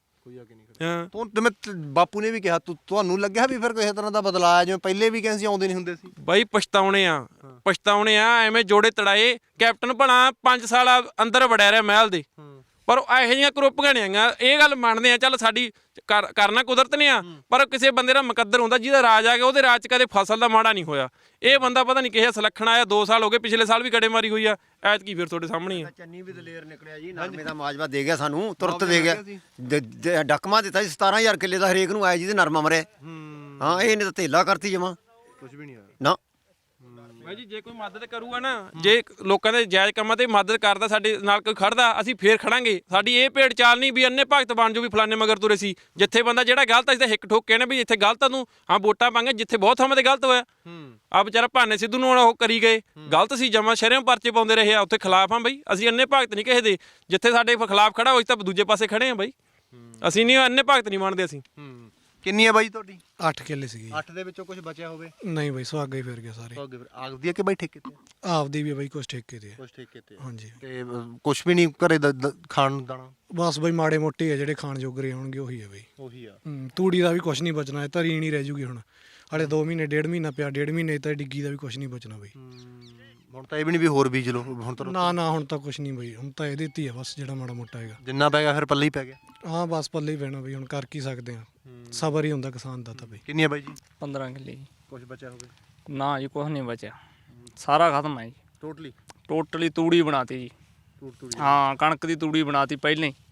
Speaker 2: ਜਿਵੇਂ ਬਾਪੂ ਨੇ ਵੀ ਕਿਹਾ, ਤੁਹਾਨੂੰ ਲੱਗਿਆ ਵੀ ਫਿਰ ਕਿਸੇ ਤਰ੍ਹਾਂ ਦਾ ਬਦਲਾਅ ਆਇਆ, ਜਿਵੇਂ ਪਹਿਲੇ ਵੀ ਕਹਿੰਦੇ ਸੀ ਆਉਂਦੇ ਨਹੀਂ ਹੁੰਦੇ ਸੀ?
Speaker 6: ਬਾਈ ਪਛਤਾਉਣੇ ਆ, ਐਵੇਂ ਜੋੜੇ ਤੜਾਏ। ਕੈਪਟਨ ਭਲਾ 5 ਸਾਲ ਅੰਦਰ ਵੜਿਆ ਰਿਹਾ ਮਹਿਲ ਦੇ, ਪਰ ਇਹੋ ਜਿਹੀਆਂ ਕਰੋਪੀਆਂ ਨਹੀਂ ਆਈਆਂ। ਇਹ ਗੱਲ ਮੰਨਦੇ ਆ, ਚੱਲ ਸਾਡੀ ਕਰਨਾ ਕੁਦਰਤ ਨੇ ਆ, ਪਰ ਕਿਸੇ ਬੰਦੇ ਦਾ ਮੁਕੱਦਰ ਹੁੰਦਾ ਜਿਹਦਾ ਰਾਜ ਆ ਗਿਆ, ਉਹਦੇ ਰਾਜ 'ਚ ਕਦੇ ਫਸਲ ਦਾ ਮਾੜਾ ਨਹੀਂ ਹੋਇਆ। ਇਹ ਬੰਦਾ ਪਤਾ ਨਹੀਂ ਕਿਸੇ ਸਲੱਖਣ ਆਇਆ, 2 ਸਾਲ ਹੋ ਗਏ, ਪਿਛਲੇ ਸਾਲ ਵੀ ਗੜੇਮਾਰੀ ਹੋਈ ਆ, ਐਤਕੀ ਫਿਰ ਤੁਹਾਡੇ ਸਾਹਮਣੇ ਆ।
Speaker 4: ਚੰਨੀ ਵੀ ਦਲੇਰ ਨਿਕਲਿਆ ਜੀ, ਨਰਮੇ ਦਾ ਮਾਜਵਾ ਦੇ ਗਿਆ ਸਾਨੂੰ, ਤੁਰਤ ਦੇ ਗਿਆ। ਡਕਮਾ ਦਿੱਤਾ ਸੀ 17,000 ਕਿੱਲੇ ਦਾ ਹਰੇਕ ਨੂੰ ਆਇਆ ਜਿਹਦੇ ਨਰਮਾ ਮਰਿਆ। ਹਾਂ, ਇਹਨੇ ਤਾਂ ਧੇਲਾ ਕਰਤੀ ਜਮਾ, ਕੁਝ ਵੀ ਨਹੀਂ ਆਇਆ ਨਾ।
Speaker 6: ਭਾਈ ਜੀ ਜੇ ਕੋਈ ਮਦਦ ਕਰੂਗਾ ਨਾ, ਜੇ ਲੋਕਾਂ ਦੇ ਜਾਇਜ਼ ਕੰਮਾਂ ਤੇ ਮਦਦ ਕਰਦਾ, ਸਾਡੇ ਨਾਲ ਕੋਈ ਖੜਦਾ, ਅਸੀਂ ਫੇਰ ਖੜਾਂਗੇ। ਸਾਡੀ ਇਹ ਭੇਡ ਚਾਲ ਨਹੀਂ ਵੀ ਅੰਨੇ ਭਗਤ ਬਣ ਜੋ ਵੀ ਫਲਾਣੇ ਮਗਰ ਤੁਰੇ ਸੀ। ਜਿੱਥੇ ਬੰਦਾ ਜਿਹੜਾ ਗਲਤ ਅਸੀਂ ਤਾਂ ਹਿੱਕ ਠੋਕ ਕੇ ਨਾ ਵੀ ਇੱਥੇ ਗਲਤ ਆ ਤੂੰ, ਹਾਂ ਵੋਟਾਂ ਪਾਂਗੇ, ਜਿੱਥੇ ਬਹੁਤ ਥਾਵਾਂ ਤੇ ਗਲਤ ਹੋਇਆ। ਆ ਵਿਚਾਰਾ ਭਾਨੇ ਸਿੱਧੂ ਨੂੰ ਉਹ ਕਰੀ ਗਏ, ਗਲਤ ਸੀ ਜਮਾ, ਸ਼ਹਿਰੋਂ ਪਰਚੇ ਪਾਉਂਦੇ ਰਹੇ ਆ, ਉੱਥੇ ਖਿਲਾਫ ਆ ਬਈ। ਅਸੀਂ ਅੰਨੇ ਭਗਤ ਨਹੀਂ ਕਿਸੇ ਦੇ, ਜਿੱਥੇ ਸਾਡੇ ਖਿਲਾਫ ਖੜਾ ਹੋਈ ਤਾਂ ਦੂਜੇ ਪਾਸੇ ਖੜੇ ਆ ਬਈ। ਅਸੀਂ ਨਹੀਂ ਅੰਨੇ ਭਗਤ ਨਹੀਂ ਮੰਨਦੇ ਅਸੀਂ।
Speaker 2: ਕਿੰਨੀ ਹੈ ਬਾਈ ਤੁਹਾਡੀ?
Speaker 10: 8 ਕਿੱਲੇ ਸੀਗੀ।
Speaker 2: 8 ਦੇ ਵਿੱਚੋਂ ਕੁਝ ਬਚਿਆ ਹੋਵੇ?
Speaker 10: ਨਹੀਂ ਬਾਈ, ਸੁਹਾਗਾ ਹੀ ਫਿਰ ਗਿਆ ਸਾਰੇ।
Speaker 2: ਆਪਦੀ ਹੈ ਕਿ ਬਾਈ ਠੇਕੇ ਤੇ?
Speaker 10: ਆਪਦੀ ਵੀ ਬਾਈ, ਕੁਛ ਠੇਕੇ ਤੇ।
Speaker 2: ਕੁਝ ਠੇਕੇ ਤੇ?
Speaker 10: ਹਾਂਜੀ।
Speaker 2: ਤੇ ਕੁਝ ਵੀ ਨਹੀਂ ਘਰੇ ਖਾਣ ਨੂੰ ਦਾਣਾ?
Speaker 10: ਬਸ ਬਾਈ ਮਾੜੇ ਮੋਟੇ ਆ ਜਿਹੜੇ ਖਾਣ ਜੋਗਰੇ ਹੋਣਗੇ, ਉਹੀ ਆ ਬਾਈ।
Speaker 2: ਉਹੀ ਆ।
Speaker 10: ਤੂੜੀ ਦਾ ਵੀ ਕੁਛ ਨਹੀਂ ਬਚਣਾ, ਧਰੀ ਨਹੀਂ ਰਹਿ ਜੂਗੀ ਹੁਣ। ਹਾਲੇ 2 ਮਹੀਨੇ, 1.5 ਮਹੀਨਾ ਪਿਆ, 1.5 ਮਹੀਨੇ ਤਾਂ ਡਿੱਗੀ ਦਾ ਵੀ ਕੁਛ ਨਹੀਂ ਬਚਣਾ ਬਾਈ।
Speaker 2: ਹੁਣ ਤਾਂ ਇਹ ਵੀ ਨਹੀਂ ਵੀ ਹੋਰ ਬੀਜ ਲਓ ਹੁਣ ਤਾਂ?
Speaker 10: ਨਾ ਹੁਣ ਤਾਂ ਕੁਛ ਨਹੀਂ ਬਾਈ, ਹੁਣ ਤਾਂ ਇਹਦੇ ਤੇ ਹੀ ਆ ਬਸ, ਜਿਹੜਾ ਮਾੜਾ ਮੋਟਾ ਹੈਗਾ।
Speaker 2: ਜਿੰਨਾ ਪੈ ਗਿਆ ਫਿਰ ਪੱਲੇ ਹੀ ਪੈ ਗਿਆ?
Speaker 10: ਹਾਂ ਬਸ ਪੱਲੇ ਹੀ ਪੈਣਾ ਬਾਈ, ਹੁਣ ਕਰ ਕੀ ਸਕਦੇ ਆ, ਸਬਰ ਹੀ ਹੁੰਦਾ ਕਿਸਾਨ ਦਾ ਤਾਂ ਬਾਈ।
Speaker 2: ਕਿੰਨੀ ਹੈ ਬਾਈ ਜੀ?
Speaker 1: 15 ਕਿੱਲੇ ਜੀ।
Speaker 2: ਕੁਝ ਬਚਿਆ ਹੋਵੇ?
Speaker 1: ਨਾ ਜੀ, ਕੁਛ ਨਹੀਂ ਬਚਿਆ, ਸਾਰਾ ਖਤਮ ਹੈ ਜੀ। ਟੋਟਲੀ ਤੂੜੀ ਬਣਾਤੀ ਜੀ। ਹਾਂ, ਕਣਕ ਦੀ ਤੂੜੀ ਬਣਾਤੀ ਪਹਿਲਾਂ ਹੀ,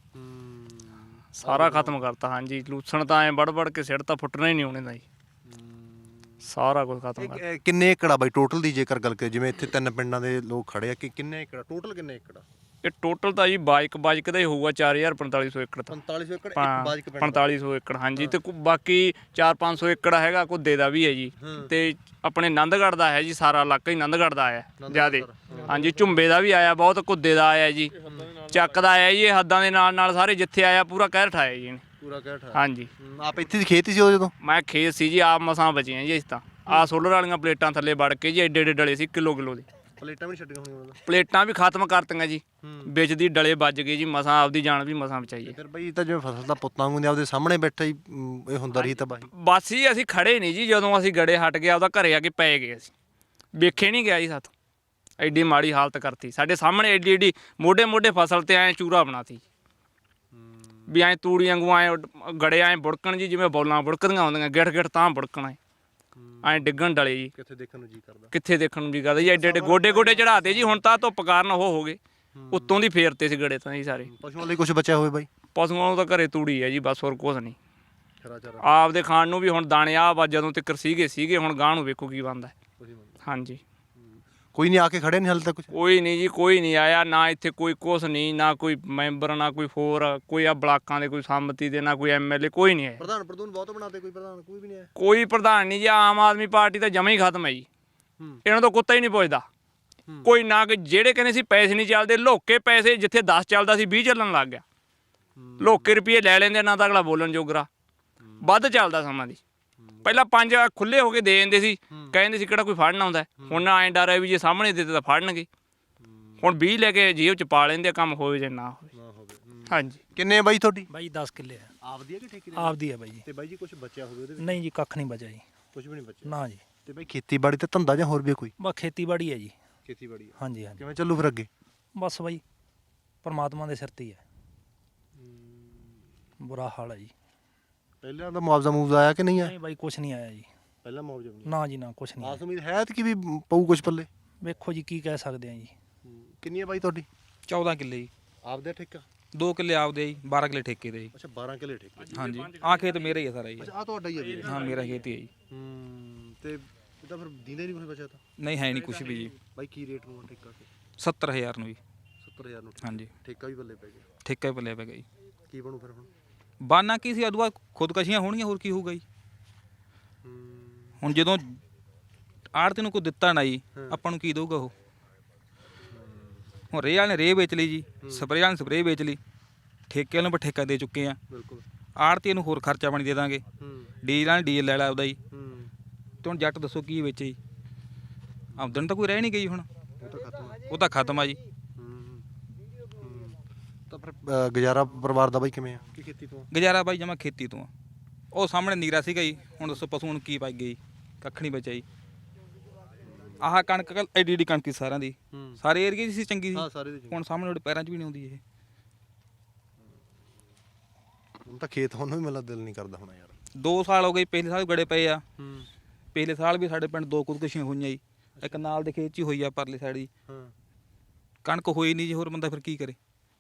Speaker 1: ਸਾਰਾ ਖਤਮ ਕਰਤਾ। ਹਾਂਜੀ, ਲੂਸਣ ਤਾਂ ਐ ਵੜ ਕੇ ਸਿਰ ਤਾਂ ਫੁੱਟਣਾ ਹੀ ਨਹੀਂ ਹੋਣੇ ਦਾ ਜੀ, ਸਾਰਾ ਕੁਝ ਖਤਮ ਕਰ।
Speaker 2: ਕਿੰਨੇ ਏਕੜ ਆ ਬਾਈ ਟੋਟਲ ਦੀ ਜੇਕਰ ਗੱਲ ਕਰੀਏ, ਜਿਵੇਂ ਇੱਥੇ 3 ਪਿੰਡਾਂ ਦੇ ਲੋਕ ਖੜੇ ਆ, ਕਿ ਕਿੰਨੇ ਏਕੜ ਟੋਟਲ, ਕਿੰਨੇ ਏਕੜ ਆ
Speaker 1: ਇਹ ਟੋਟਲ ਤਾਂ ਜੀ ਬਾਈਕ ਦਾ ਹੀ ਹੋਊਗਾ 4500 ਏਕੜ ਤਾਂ।
Speaker 2: 4500 ਏਕੜ?
Speaker 1: 4500 ਏਕੜ ਹਾਂਜੀ, ਤੇ ਬਾਕੀ 400-500 ਏਕੜ ਹੈਗਾ ਘੁੱਦੇ ਦਾ ਵੀ ਹੈ ਜੀ, ਤੇ ਆਪਣੇ ਆਨੰਦਗੜ੍ਹ ਦਾ ਹੈ ਜੀ, ਸਾਰਾ ਇਲਾਕਾ ਹੀ ਆਨੰਦਗੜ੍ਹ ਦਾ ਆਇਆ ਜਿਆਦੇ। ਹਾਂਜੀ, ਝੁੰਬੇ ਦਾ ਵੀ ਆਇਆ ਬਹੁਤ, ਘੁੱਦੇ ਦਾ ਆਇਆ ਜੀ, ਚੱਕ ਦਾ ਆਇਆ ਜੀ, ਇਹ ਹੱਦਾਂ ਦੇ ਨਾਲ ਸਾਰੇ ਜਿੱਥੇ ਆਇਆ ਪੂਰਾ ਕਹਿਰ ਠਾਇਆ ਜੀ ਇਹਨੇ,
Speaker 2: ਪੂਰਾ ਕਹਿਰ ਠਾਇਆ।
Speaker 1: ਹਾਂਜੀ,
Speaker 2: ਆਪ ਇੱਥੇ ਦੀ ਖੇਤ ਸੀ ਉਹ ਜਦੋਂ?
Speaker 1: ਮੈਂ ਖੇਤ ਸੀ ਜੀ, ਆਪ ਮਸਾਂ ਬਚੀਆਂ ਜੀ। ਇਸ ਤਾਂ ਆਹ ਸੋਲਰ ਵਾਲੀਆਂ ਪਲੇਟਾਂ ਥੱਲੇ ਵੜ ਕੇ ਜੀ, ਏਡੇ ਡਲੇ ਸੀ, ਕਿਲੋ ਦੀ
Speaker 2: ਪਲੇਟਾਂ ਵੀ ਛੱਡੀਆਂ ਹੋਣੀਆਂ?
Speaker 1: ਪਲੇਟਾਂ ਵੀ ਖਤਮ ਕਰਤੀਆਂ ਜੀ, ਵਿੱਚ ਦੀ ਡਲੇ ਵੱਜ ਗਏ ਜੀ, ਮਸਾਂ ਆਪਦੀ ਜਾਨ ਵੀ ਮਸਾਂ ਬਚਾਈ।
Speaker 2: ਫਿਰ ਬਈ ਤਾਂ ਜਿਵੇਂ ਫਸਲ ਦਾ ਪੁੱਤਾਂ ਹੁੰਦੇ ਆਪਦੇ ਸਾਹਮਣੇ ਬੈਠਾ ਹੀ ਇਹ ਹੁੰਦਾ ਰਹੀ ਤਬਾਹੀ।
Speaker 1: ਬਸ ਜੀ ਅਸੀਂ ਖੜੇ ਨਹੀਂ ਜੀ, ਜਦੋਂ ਅਸੀਂ ਗੜੇ ਹਟ ਗਿਆ ਉਹਦਾ ਘਰੇ ਆ ਕੇ ਪੈ ਗਏ, ਅਸੀਂ ਵੇਖੇ ਨਹੀਂ ਗਿਆ ਜੀ ਸਾਥੋਂ, ਐਡੀ ਮਾੜੀ ਹਾਲਤ ਕਰਤੀ ਸਾਡੇ ਸਾਹਮਣੇ, ਐਡੀ ਮੋਢੇ ਫਸਲ ਤੇ ਐਂ ਚੂਰਾ ਬਣਾਤੀ ਵੀ ਐਂ ਤੂੜੀ ਵਾਂਗੂ ਐਂ ਗੜੇ ਐਂ ਬੁੜਕਣ ਜੀ, ਜਿਵੇਂ ਬੋਲਾਂ ਬੁੜਕਦੀਆਂ ਹੁੰਦੀਆਂ, ਗਿੱਠ ਤਾਂ ਬੁੜਕਣਾ ਐਂ ਡਿੱਗਣ ਡਲੇ ਜੀ।
Speaker 2: ਕਿੱਥੇ ਦੇਖਣ ਨੂੰ ਜੀ ਕਰਦਾ?
Speaker 1: ਕਿੱਥੇ ਦੇਖਣ ਨੂੰ ਜੀ ਕਰਦਾ ਜੀ, ਐਡੇ ਗੋਡੇ ਚੜਾਤੇ ਜੀ। ਹੁਣ ਤਾਂ ਧੁੱਪ ਕਾਰਨ ਉਹ ਹੋ ਗਏ, ਉੱਤੋਂ ਦੀ ਫੇਰਤੇ ਸੀ ਗੜੇ ਤਾਂ ਜੀ ਸਾਰੇ।
Speaker 2: ਪਸ਼ੂਆਂ ਲਈ ਕੁਝ ਬਚਿਆ ਹੋਵੇ ਬਾਈ?
Speaker 1: ਪਸ਼ੂਆਂ ਨੂੰ ਤਾਂ ਘਰੇ ਤੂੜੀ ਹੈ ਜੀ, ਬਸ ਹੋਰ ਕੁਛ ਨਹੀਂ। ਆਪਦੇ ਖਾਣ ਨੂੰ ਵੀ ਹੁਣ ਦਾਣੇ ਆ ਜਦੋਂ ਤੱਕ ਸੀਗੇ, ਹੁਣ ਗਾਂ ਨੂੰ ਵੇਖੋ ਕੀ ਬਣਦਾ। ਹਾਂਜੀ,
Speaker 2: ਕੋਈ ਨਹੀਂ ਆ ਕੇ ਖੜੇ ਨਹੀਂ ਹਾਲੇ ਤੱਕ?
Speaker 1: ਕੋਈ ਨਹੀਂ ਜੀ, ਕੋਈ ਨਹੀਂ ਆਇਆ ਨਾ ਇੱਥੇ, ਕੋਈ ਕੁਛ ਨਹੀਂ, ਨਾ ਕੋਈ ਮੈਂਬਰ, ਨਾ ਕੋਈ ਹੋਰ, ਕੋਈ ਆ ਬਲਾਕਾਂ ਦੇ ਕੋਈ ਸੰਮਤੀ ਦੇ, ਨਾ ਕੋਈ ਐਮਐਲਏ, ਕੋਈ ਨਹੀਂ ਆਇਆ।
Speaker 2: ਪ੍ਰਧਾਨ ਬਹੁਤ ਬਣਾਤੇ, ਕੋਈ ਪ੍ਰਧਾਨ ਕੋਈ ਵੀ ਨਹੀਂ ਆਇਆ?
Speaker 1: ਕੋਈ ਪ੍ਰਧਾਨ ਨਹੀਂ ਜੀ, ਆਮ ਆਦਮੀ ਪਾਰਟੀ ਤਾਂ ਜਮਾ ਹੀ ਖਤਮ ਹੈ ਜੀ, ਇਹਨਾਂ ਤੋਂ ਕੁੱਤਾ ਹੀ ਨਹੀਂ ਪੁੱਛਦਾ ਕੋਈ। ਨਾ ਕਿ ਜਿਹੜੇ ਕਹਿੰਦੇ ਸੀ ਪੈਸੇ ਨਹੀਂ ਚੱਲਦੇ, ਲੋਕੇ ਪੈਸੇ ਜਿੱਥੇ 10 ਚੱਲਦਾ ਸੀ 20 ਚੱਲਣ ਲੱਗ ਗਿਆ, ਲੋਕੇ ਰੁਪਏ ਲੈ ਲੈਂਦੇ, ਨਾ ਤਾਂ ਅਗਲਾ ਬੋਲਣ ਜੋਗਰਾ, ਵੱਧ ਚੱਲਦਾ ਸਮਾਂ ਦੀ। ਪਹਿਲਾਂ 5 ਖੁੱਲੇ ਹੋ ਕੇ ਦੇ ਦਿੰਦੇ ਸੀ, ਕਹਿੰਦੇ ਸੀ ਕਿਹੜਾ ਕੋਈ ਫੜਨ ਆਉਂਦਾ, ਹੁਣ ਐਂ ਡਰ ਹੈ ਵੀ ਜੇ ਸਾਹਮਣੇ ਦਿੱਤੇ ਤਾਂ ਫੜਨਗੇ। ਹੁਣ 20 ਲੈ ਕੇ ਜੇਬ ਚ ਪਾ ਲੈਂਦੇ, ਕੰਮ ਹੋਵੇ ਜਾਂ ਨਾ ਹੋਵੇ। ਹਾਂਜੀ
Speaker 2: ਕਿੰਨੇ ਆ ਬਾਈ ਤੁਹਾਡੀ?
Speaker 11: ਬਾਈ 10 ਕਿੱਲੇ ਆ।
Speaker 2: ਆਪਦੀ ਹੈ ਕਿ ਠੇਕੇ ਦੀ?
Speaker 11: ਆਪਦੀ ਆ ਬਾਈ ਜੀ।
Speaker 2: ਤੇ ਬਾਈ ਜੀ ਕੁਝ ਬਚਿਆ ਹੋਵੇ ਉਹਦੇ ਵਿੱਚ?
Speaker 11: ਨਹੀਂ ਜੀ ਕੱਖ ਨਹੀਂ ਬਚਿਆ ਜੀ।
Speaker 2: ਕੁਝ ਵੀ ਨਹੀਂ ਬਚਿਆ।
Speaker 11: ਨਾ ਜੀ।
Speaker 2: ਤੇ ਬਾਈ ਖੇਤੀਬਾੜੀ ਤੇ ਧੰਦਾ ਜਾਂ ਹੋਰ ਵੀ ਕੋਈ?
Speaker 11: ਬਸ ਖੇਤੀਬਾੜੀ ਹੈ ਜੀ।
Speaker 2: ਖੇਤੀਬਾੜੀ ਹੈ।
Speaker 11: ਹਾਂਜੀ ਹਾਂਜੀ।
Speaker 2: ਕਿਵੇਂ ਚੱਲੂ ਫਿਰ ਅੱਗੇ?
Speaker 11: ਬਸ ਬਾਈ ਪਰਮਾਤਮਾ ਦੇ ਸਿਰ ਤੇ ਹੀ ਹੈ। ਬੁਰਾ ਹਾਲ ਹੈ ਜੀ।
Speaker 2: ਪਹਿਲਾਂ ਦਾ ਮੁਆਵਜ਼ਾ ਆਇਆ ਕਿ ਨਹੀਂ ਆਇਆ?
Speaker 11: ਨਹੀਂ ਬਾਈ ਕੁਛ ਨਹੀਂ ਆਇਆ ਜੀ।
Speaker 2: ਪਹਿਲਾਂ ਮੁਆਵਜ਼ਾ ਨਹੀਂ
Speaker 11: ਨਾ ਜੀ ਨਾ ਕੁਛ ਨਹੀਂ
Speaker 2: ਆਸ
Speaker 11: ਆਇਆ।
Speaker 2: ਉਮੀਦ ਹੈ ਕਿ ਵੀ ਪਊ ਕੁਝ ਪੱਲੇ?
Speaker 11: ਵੇਖੋ ਜੀ ਕੀ ਕਹਿ ਸਕਦੇ ਆ ਜੀ।
Speaker 2: ਕਿੰਨੀ ਹੈ ਬਾਈ ਤੁਹਾਡੀ?
Speaker 5: 14 ਕਿੱਲੇ ਜੀ।
Speaker 2: ਆਪਦਾ ਠੇਕਾ?
Speaker 5: 2 ਕਿੱਲੇ ਆਪਦੇ ਜੀ, 12 ਕਿੱਲੇ ਠੇਕੇ ਦੇ ਜੀ।
Speaker 2: ਅੱਛਾ 12 ਕਿੱਲੇ ਠੇਕੇ।
Speaker 5: ਹਾਂਜੀ ਆਹ ਖੇਤ ਮੇਰਾ ਹੀ ਹੈ ਸਾਰਾ ਜੀ।
Speaker 2: ਅੱਛਾ ਆ ਤੁਹਾਡਾ ਹੀ ਹੈ ਵੀਰੇ?
Speaker 5: ਹਾਂ ਮੇਰਾ ਖੇਤ ਹੀ ਹੈ ਜੀ।
Speaker 2: ਤੇ ਇਹ ਤਾਂ ਫਿਰ ਦਿੰਦੇ ਨਹੀਂ ਕੁਝ ਬਚਿਆ ਤਾਂ?
Speaker 5: ਨਹੀਂ ਹੈ ਨਹੀਂ ਕੁਝ ਵੀ ਜੀ।
Speaker 2: ਬਾਈ ਕੀ ਰੇਟ ਨੂੰ ਆ ਠੇਕਾ ਤੇ?
Speaker 5: 70000 ਨੂੰ ਜੀ।
Speaker 2: 70000 ਨੂੰ
Speaker 5: ਹਾਂਜੀ
Speaker 2: ਠੇਕਾ ਵੀ ਬੱਲੇ ਪੈ ਗਿਆ।
Speaker 5: ਠੇਕਾ ਹੀ ਪੱਲੇ ਪੈ ਗਿਆ ਜੀ।
Speaker 2: ਕੀ ਬਣੂ ਫਿਰ ਹੁਣ?
Speaker 5: ਬਾਨਾ ਕੀ ਸੀ ਅਦਵਾ ਖੁਦਕਸ਼ੀਆਂ ਹੋਣਗੀਆਂ, ਹੋਰ ਕੀ ਹੋਊਗਾ ਜੀ। ਹੁਣ ਜਦੋਂ ਆੜਤੀ ਨੂੰ ਕੋਈ ਦਿੱਤਾ ਨਾ ਜੀ, ਆਪਾਂ ਨੂੰ ਕੀ ਦਊਗਾ ਉਹ? ਹੁਣ ਰੇਹ ਵਾਲੇ ਨੇ ਰੇਹ ਵੇਚ ਲਈ ਜੀ, ਸਪਰੇਅ ਵਾਲੇ ਨੇ ਸਪਰੇਅ ਵੇਚ ਲਈ, ਠੇਕੇ ਵਾਲੇ ਨੂੰ ਠੇਕਾ ਦੇ ਚੁੱਕੇ ਆ।
Speaker 2: ਬਿਲਕੁਲ।
Speaker 5: ਆੜਤੀ ਨੂੰ ਹੋਰ ਖਰਚਾ ਪਾਣੀ ਦੇ ਦਾਂਗੇ। ਡੀਜ਼ਲ ਵਾਲੇ ਡੀਜ਼ਲ ਲੈ ਲਾ ਉਹਦਾ ਜੀ। ਤੇ ਹੁਣ ਜੱਟ ਦੱਸੋ ਕੀ ਵੇਚੇ ਜੀ? ਆਮਦਨ ਤਾਂ ਕੋਈ ਰਹਿ ਨਹੀਂ ਗਈ ਹੁਣ। ਉਹ ਤਾਂ ਖਤਮ ਆ ਜੀ।
Speaker 2: ਤਾਂ ਫਿਰ ਗੁਜ਼ਾਰਾ ਪਰਿਵਾਰ ਦਾ ਬਾਈ ਕਿਵੇਂ ਆ? ਕੀ ਖੇਤੀ ਤੋਂ?
Speaker 5: ਗੁਜ਼ਾਰਾ ਬਾਈ ਜਮਾ ਖੇਤੀ ਤੋਂ ਆ। ਉਹ ਸਾਹਮਣੇ ਨੀਰਾ ਸੀਗਾ ਜੀ, ਹੁਣ ਦੱਸੋ ਪਸ਼ੂ ਨੂੰ ਕੀ ਪਾਈ ਗਈ? ਕੱਖ ਨਹੀਂ ਬਚਿਆ ਜੀ। ਆਹ ਕਣਕ ਐਡੀ ਐਡੀ ਕਣਕ ਸੀ ਸਾਰਿਆਂ ਦੀ, ਸਾਰੇ ਏਰੀਏ 'ਚ ਸੀ ਚੰਗੀ ਸੀ।
Speaker 2: ਹਾਂ ਸਾਰੇ ਦੇ।
Speaker 5: ਹੁਣ ਸਾਹਮਣੇ ਉਹਦੇ ਪੈਰਾਂ 'ਚ ਵੀ ਨਹੀਂ ਆਉਂਦੀ ਇਹ।
Speaker 2: ਹੁਣ ਤਾਂ ਖੇਤ ਹੁਣ ਵੀ ਮੇਰਾ ਦਿਲ ਨਹੀਂ ਕਰਦਾ ਹੋਣਾ ਯਾਰ।
Speaker 5: 2 ਸਾਲ ਹੋ ਗਏ, ਪਹਿਲੇ ਸਾਲ ਗੜੇ ਪਏ ਆ। ਪਿਛਲੇ ਸਾਲ ਵੀ ਸਾਡੇ ਪਿੰਡ 2 ਖੁਦਕੁਸ਼ੀਆਂ ਹੋਈਆਂ ਜੀ। ਇੱਕ ਨਾਲ ਦੇ ਖੇਤ 'ਚ ਹੀ ਹੋਈ ਆ ਪਰਲੀ ਸਾਈਡ ਜੀ। ਕਣਕ ਹੋਈ ਨਹੀਂ ਜੀ, ਹੋਰ ਬੰਦਾ ਫਿਰ ਕੀ ਕਰੇ?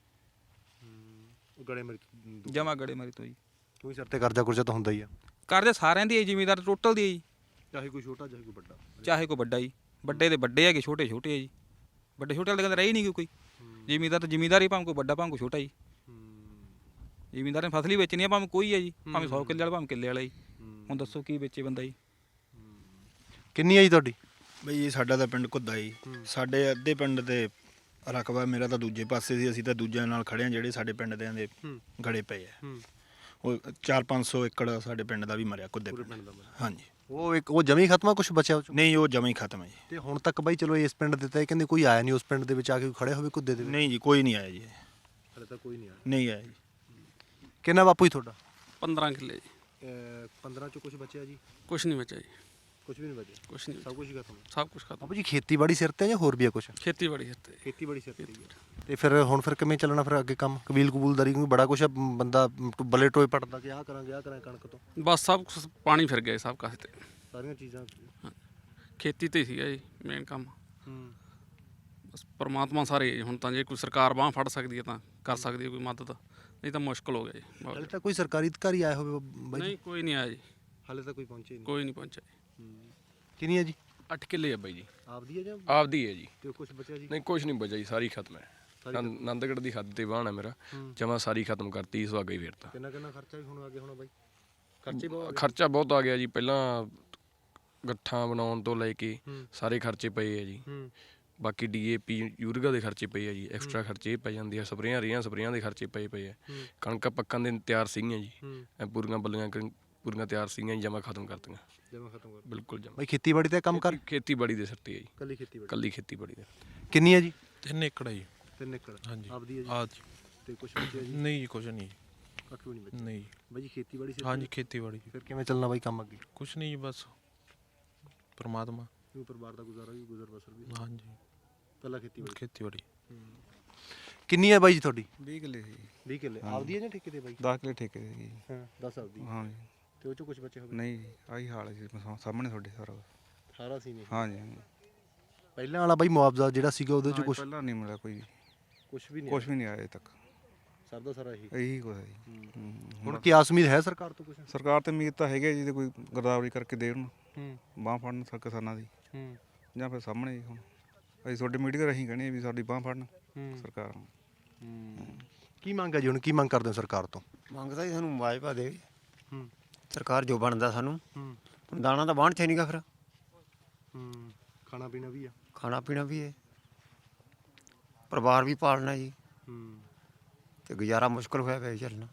Speaker 2: ਗੜੇ ਮਰੀ
Speaker 5: ਜਮਾ ਗੜੇ ਮਾਰੀ ਤੋਂ ਜੀ।
Speaker 2: ਕੋਈ ਸਿਰ ਤੇ ਕਰਜ਼ਾ ਕੁਰਜ਼ਾ ਤਾਂ ਹੁੰਦਾ ਹੀ ਆ।
Speaker 5: ਕਰਜ਼ਾ ਸਾਰਿਆਂ ਦੀ ਹੈ, ਜ਼ਿਮੀਂਦਾਰ ਟੋਟਲ ਦੀ ਹੈ ਜੀ।
Speaker 2: ਚਾਹੇ ਕੋਈ ਛੋਟਾ ਚਾਹੇ ਕੋਈ ਵੱਡਾ।
Speaker 5: ਚਾਹੇ ਕੋਈ ਵੱਡਾ ਜੀ, ਵੱਡੇ ਦੇ ਵੱਡੇ ਹੈਗੇ, ਛੋਟੇ ਛੋਟੇ ਆ ਜੀ। ਵੱਡੇ ਛੋਟੇ ਵਾਲੇ ਕਹਿੰਦੇ ਰਹੀ ਨਹੀਂ ਕੋਈ। ਜ਼ਿਮੀਂਦਾਰ ਤਾਂ ਜ਼ਿਮੀਂਦਾਰ ਹੀ, ਭਾਵੇਂ ਕੋਈ ਵੱਡਾ ਭਾਵੇਂ ਕੋਈ ਛੋਟਾ ਜੀ। ਜ਼ਿਮੀਂਦਾਰ ਨੇ ਫਸਲ ਹੀ ਵੇਚਣੀ ਆ, ਭਾਵੇਂ ਕੋਈ ਹੈ ਜੀ, ਭਾਵੇਂ 100 ਕਿੱਲੇ ਵਾਲਾ ਭਾਵੇਂ ਕਿੱਲੇ ਵਾਲਾ ਜੀ। ਹੁਣ ਦੱਸੋ ਕੀ ਵੇਚੇ ਬੰਦਾ ਜੀ?
Speaker 2: ਕਿੰਨੀ ਆ ਜੀ ਤੁਹਾਡੀ?
Speaker 7: ਬਈ ਸਾਡਾ ਤਾਂ ਪਿੰਡ ਘੁੱਦਾ ਜੀ। ਸਾਡੇ ਅੱਧੇ ਪਿੰਡ ਦੇ ਰਕਬਾ ਮੇਰਾ ਤਾਂ ਦੂਜੇ ਪਾਸੇ ਸੀ, ਅਸੀਂ ਤਾਂ ਦੂਜਿਆਂ ਨਾਲ ਖੜੇ ਆ ਜਿਹੜੇ ਸਾਡੇ ਪਿੰਡ ਦੇ ਗੜੇ ਪਏ ਆ। ਉਹ 400-500 ਏਕੜ ਸਾਡੇ ਪਿੰਡ ਦਾ ਵੀ ਮਰਿਆ ਘੁੱਦੇ ਪਿੰਡ ਦਾ। ਹਾਂਜੀ
Speaker 2: ਉਹ ਜਮੀ ਖਤਮ ਆ? ਕੁਝ ਬਚਿਆ ਉਹ ਚੋਂ?
Speaker 7: ਨਹੀਂ ਉਹ ਜਮਾਂ ਹੀ ਖਤਮ ਹੈ ਜੀ।
Speaker 2: ਤੇ ਹੁਣ ਤੱਕ ਬਾਈ ਚਲੋ ਇਸ ਪਿੰਡ ਦੇ ਤਾਂ ਕਹਿੰਦੇ ਕੋਈ ਆਇਆ ਨਹੀਂ ਉਸ ਪਿੰਡ ਦੇ ਵਿੱਚ ਆ ਕੇ ਖੜੇ ਹੋਵੇ ਕੁੱਦੇ ਦੇ ਵਿੱਚ?
Speaker 7: ਨਹੀਂ ਜੀ ਕੋਈ ਨਹੀਂ ਆਇਆ ਜੀ।
Speaker 2: ਹਲੇ ਤਾਂ ਕੋਈ ਨਹੀਂ ਆਇਆ।
Speaker 7: ਨਹੀਂ ਆਇਆ ਜੀ।
Speaker 2: ਕਿੰਨਾ ਬਾਪੂ ਜੀ ਤੁਹਾਡਾ?
Speaker 12: 15 ਕਿੱਲੇ ਜੀ।
Speaker 2: 15 ਚੋਂ ਕੁਝ ਬਚਿਆ ਜੀ?
Speaker 12: ਕੁਛ ਨਹੀਂ ਬਚਿਆ ਜੀ।
Speaker 2: ਕੁਝ ਵੀ ਨਹੀਂ ਬਚਿਆ?
Speaker 12: ਕੁਛ ਨਹੀਂ,
Speaker 2: ਸਭ ਕੁਝ ਹੀ ਖਤਮ?
Speaker 12: ਸਭ ਕੁਝ ਖਤਮ।
Speaker 2: ਬਾਪੂ ਜੀ ਖੇਤੀਬਾੜੀ ਸਿਰ ਤੇ ਜਾਂ ਹੋਰ ਵੀ ਆ ਕੁਝ?
Speaker 12: ਖੇਤੀਬਾੜੀ ਹਿੱਤੇ।
Speaker 2: ਖੇਤੀਬਾੜੀ ਸਿਰ ਤੇ ਤੇ ਫਿਰ ਹੁਣ ਫਿਰ ਕਿਵੇਂ ਚੱਲਣਾ ਫਿਰ ਅੱਗੇ ਕੰਮ? ਕਬੀਲ ਕਬੂਲਦਾਰੀ ਕਿਉਂਕਿ ਬੜਾ ਕੁਝ ਬੰਦਾ ਬੱਲੇ ਟੋਏ ਪੜਦਾ ਕਿ ਆਹ ਕਰਾਂਗੇ ਆਹ ਕਰਾਂਗੇ ਕਣਕ ਤੋਂ।
Speaker 12: ਬਸ ਸਭ ਕੁਛ ਪਾਣੀ ਫਿਰ ਗਿਆ ਸਭ ਕਾਸੇ ਤੇ।
Speaker 2: ਸਾਰੀਆਂ ਚੀਜ਼ਾਂ
Speaker 12: ਖੇਤੀ ਤੇ ਸੀਗਾ ਜੀ ਮੇਨ ਕੰਮ। ਬਸ ਪਰਮਾਤਮਾ ਸਾਰੇ ਹੁਣ ਤਾਂ ਜੇ ਕੋਈ ਸਰਕਾਰ ਬਾਂਹ ਫੜ ਸਕਦੀ ਹੈ ਤਾਂ ਕਰ ਸਕਦੀ ਹੈ ਕੋਈ ਮਦਦ, ਨਹੀਂ ਤਾਂ ਮੁਸ਼ਕਲ ਹੋ ਗਿਆ ਜੀ ਬਹੁਤ।
Speaker 2: ਹਲੇ ਤਾਂ ਕੋਈ ਸਰਕਾਰੀ ਅਧਿਕਾਰੀ ਆਇਆ ਹੋਵੇ ਬਾਈ?
Speaker 12: ਨਹੀਂ ਕੋਈ ਨਹੀਂ ਆਇਆ ਜੀ।
Speaker 2: ਹਲੇ ਤਾਂ ਕੋਈ ਪਹੁੰਚੇ ਨਹੀਂ?
Speaker 12: ਕੋਈ ਨਹੀਂ ਪਹੁੰਚਿਆ ਜੀ।
Speaker 2: ਕਿੰਨੀ ਹੈ ਜੀ?
Speaker 13: 8 ਕਿੱਲੇ ਆ ਬਾਈ ਜੀ।
Speaker 2: ਆਪਦੀ ਹੈ ਜਾਂ?
Speaker 13: ਆਪਦੀ ਹੈ ਜੀ।
Speaker 2: ਤੇ ਕੁਝ ਬਚਿਆ ਜੀ?
Speaker 13: ਨਹੀਂ ਕੁਝ ਨਹੀਂ ਬਚਿਆ ਜੀ, ਸਾਰੀ ਖਤਮ ਹੈ। ਆਨੰਦਗੜ੍ਹ ਦੀ ਹੱਦ ਤੇ ਵਾਹਣ ਹੈ ਮੇਰਾ, ਜਮਾ ਸਾਰੀ ਖਤਮ ਕਰਤੀ, ਸੁਹਾਗਾ ਹੀ ਫੇਰਤਾ।
Speaker 2: ਕਿੰਨਾ ਖਰਚਾ ਵੀ ਹੁਣ ਅੱਗੇ ਹੋਣਾ ਬਾਈ?
Speaker 13: ਖਰਚਾ ਬਹੁਤ ਆ ਗਿਆ ਜੀ। ਪਹਿਲਾਂ ਗੱਠਾਂ ਬਣਾਉਣ ਤੋਂ ਲੈ ਕੇ ਸਾਰੇ ਖਰਚੇ ਪਏ ਆ ਜੀ। ਬਾਕੀ DAP ਯੂਰੀਆ ਦੇ ਖਰਚੇ ਪਏ ਆ ਜੀ, ਐਕਸਟਰਾ ਖਰਚੇ ਪੈ ਜਾਂਦੇ ਆ, ਸਪਰੇਆਂ ਦੇ ਖਰਚੇ ਪਏ ਆ। ਕਣਕਾਂ ਪੱਕਣ ਦੇ ਤਿਆਰ ਸੀਗੀਆਂ ਜੀ, ਪੂਰੀਆਂ ਬੱਲੀਆਂ ਪੂਰੀਆਂ ਤਿਆਰ ਸੀਗੀਆਂ ਜੀ, ਜਮਾ ਖਤਮ ਕਰਤੀਆਂ। ਬਿਲਕੁਲ ਜਮਾ।
Speaker 2: ਬਾਈ ਖੇਤੀਬਾੜੀ ਤੇ ਕੰਮ ਕਰ?
Speaker 13: ਖੇਤੀਬਾੜੀ ਦੇ ਸਿਰ ਤੇ ਹੈ ਜੀ।
Speaker 2: ਕੱਲੀ
Speaker 13: ਖੇਤੀਬਾੜੀ ਦੇ।
Speaker 2: ਕਿੰਨੀ ਹੈ ਜੀ?
Speaker 10: 3 ਏਕੜ ਹੈ ਜੀ।
Speaker 2: 3 ਏਕੜ
Speaker 10: ਹਾਂਜੀ
Speaker 2: ਆਪਦੀ ਹੈ ਜੀ?
Speaker 10: ਆਹ ਜੀ।
Speaker 2: ਤੇ ਕੁਝ ਬਚਿਆ ਜੀ?
Speaker 10: ਨਹੀਂ ਜੀ ਕੁਝ ਨਹੀਂ।
Speaker 2: ਕੱਖ ਵੀ ਨਹੀਂ ਬਚਿਆ?
Speaker 10: ਨਹੀਂ
Speaker 2: ਬਾਈ ਜੀ ਖੇਤੀਬਾੜੀ ਸਿਰ?
Speaker 10: ਹਾਂਜੀ ਖੇਤੀਬਾੜੀ।
Speaker 2: ਫਿਰ ਕਿਵੇਂ ਚੱਲਣਾ ਬਾਈ ਕੰਮ ਅੱਗੇ?
Speaker 10: ਕੁਛ ਨਹੀਂ ਜੀ ਬਸ ਪਰਮਾਤਮਾ।
Speaker 2: ਪਰਿਵਾਰ ਦਾ ਗੁਜ਼ਾਰਾ ਵੀ ਗੁਜ਼ਰ ਬਸਰ ਵੀ?
Speaker 10: ਹਾਂਜੀ
Speaker 2: ਪਹਿਲਾਂ ਖੇਤੀਬਾੜੀ। ਕਿੰਨੀ ਹੈ ਬਾਈ ਜੀ ਤੁਹਾਡੀ?
Speaker 9: 20 ਕਿੱਲੇ ਸੀ।
Speaker 2: 20 ਕਿੱਲੇ ਆਪਦੀ ਹੈ ਜਾਂ ਠੇਕੇ ਤੇ ਬਾਈ?
Speaker 9: 10 ਕਿੱਲੇ ਠੇਕੇ ਦੇ ਸੀ।
Speaker 2: ਹਾਂ 10 ਆਪਦੀ।
Speaker 9: ਹਾਂ ਜੀ।
Speaker 2: ਤੇ ਉਹ ਚੋਂ ਕੁਝ ਬਚਿਆ ਹੋਵੇ?
Speaker 9: ਨਹੀਂ ਆਹੀ ਹਾਲ ਸੀ ਸਾਹਮਣੇ ਤੁਹਾਡੇ ਸਾਰਾ।
Speaker 2: ਸਾਰਾ ਸੀ ਨਹੀਂ?
Speaker 9: ਹਾਂਜੀ ਹਾਂਜੀ।
Speaker 2: ਪਹਿਲਾਂ ਵਾਲਾ ਬਾਈ ਮੁਆਵਜ਼ਾ ਜਿਹੜਾ ਸੀਗਾ ਉਹਦੇ ਚ ਕੁਝ?
Speaker 9: ਪਹਿਲਾਂ ਨਹੀਂ ਮਿਲਿਆ ਕੋਈ।
Speaker 2: ਕੁਝ ਵੀ
Speaker 9: ਨਹੀਂ ਆਇਆ ਅਜੇ ਤੱਕ।
Speaker 2: ਸਰਦਾ ਸਾਰਾ
Speaker 9: ਇਹੀ ਕੁਝ ਹੈ ਜੀ।
Speaker 2: ਹੁਣ ਕੀ ਆਸ ਉਮੀਦ ਹੈ ਸਰਕਾਰ ਤੋਂ ਕੁਝ?
Speaker 9: ਸਰਕਾਰ ਤੇ ਉਮੀਦ ਤਾਂ ਹੈਗੀ ਜੀ, ਤੇ ਕੋਈ ਗਰਦਾਵਰੀ ਕਰਕੇ ਦੇਣ ਬਾਂਹ ਫੜਨ ਕਿਸਾਨਾਂ ਦੀ, ਜਾਂ ਫਿਰ ਸਾਹਮਣੇ ਜੀ। ਹੁਣ ਅਸੀਂ ਤੁਹਾਡੇ ਮੀਡੀਆ ਰਾਹੀਂ ਕਹਿੰਦੇ ਵੀ ਸਾਡੀ ਬਾਂਹ ਫੜਨ ਸਰਕਾਰ।
Speaker 2: ਕੀ ਮੰਗ ਹੈ ਜੀ ਹੁਣ? ਕੀ ਮੰਗ ਕਰਦੇ ਹੋ ਸਰਕਾਰ ਤੋਂ?
Speaker 4: ਮੰਗਦਾ ਜੀ ਸਾਨੂੰ ਮੁਆਵਜ਼ਾ ਦੇਵੇ ਸਰਕਾਰ, ਜੋ ਬਣਦਾ ਸਾਨੂੰ। ਹੁਣ ਦਾਣਾ ਤਾਂ ਬਾਣ 'ਚ ਨਹੀਂਗਾ ਫਿਰ।
Speaker 2: ਖਾਣਾ ਪੀਣਾ ਵੀ ਆ?
Speaker 4: ਖਾਣਾ ਪੀਣਾ ਵੀ ਹੈ, ਪਰਿਵਾਰ ਵੀ ਪਾਲਣਾ ਜੀ। ਤੇ ਗੁਜ਼ਾਰਾ ਮੁਸ਼ਕਲ ਹੋਇਆ ਪਿਆ ਚੱਲਣਾ।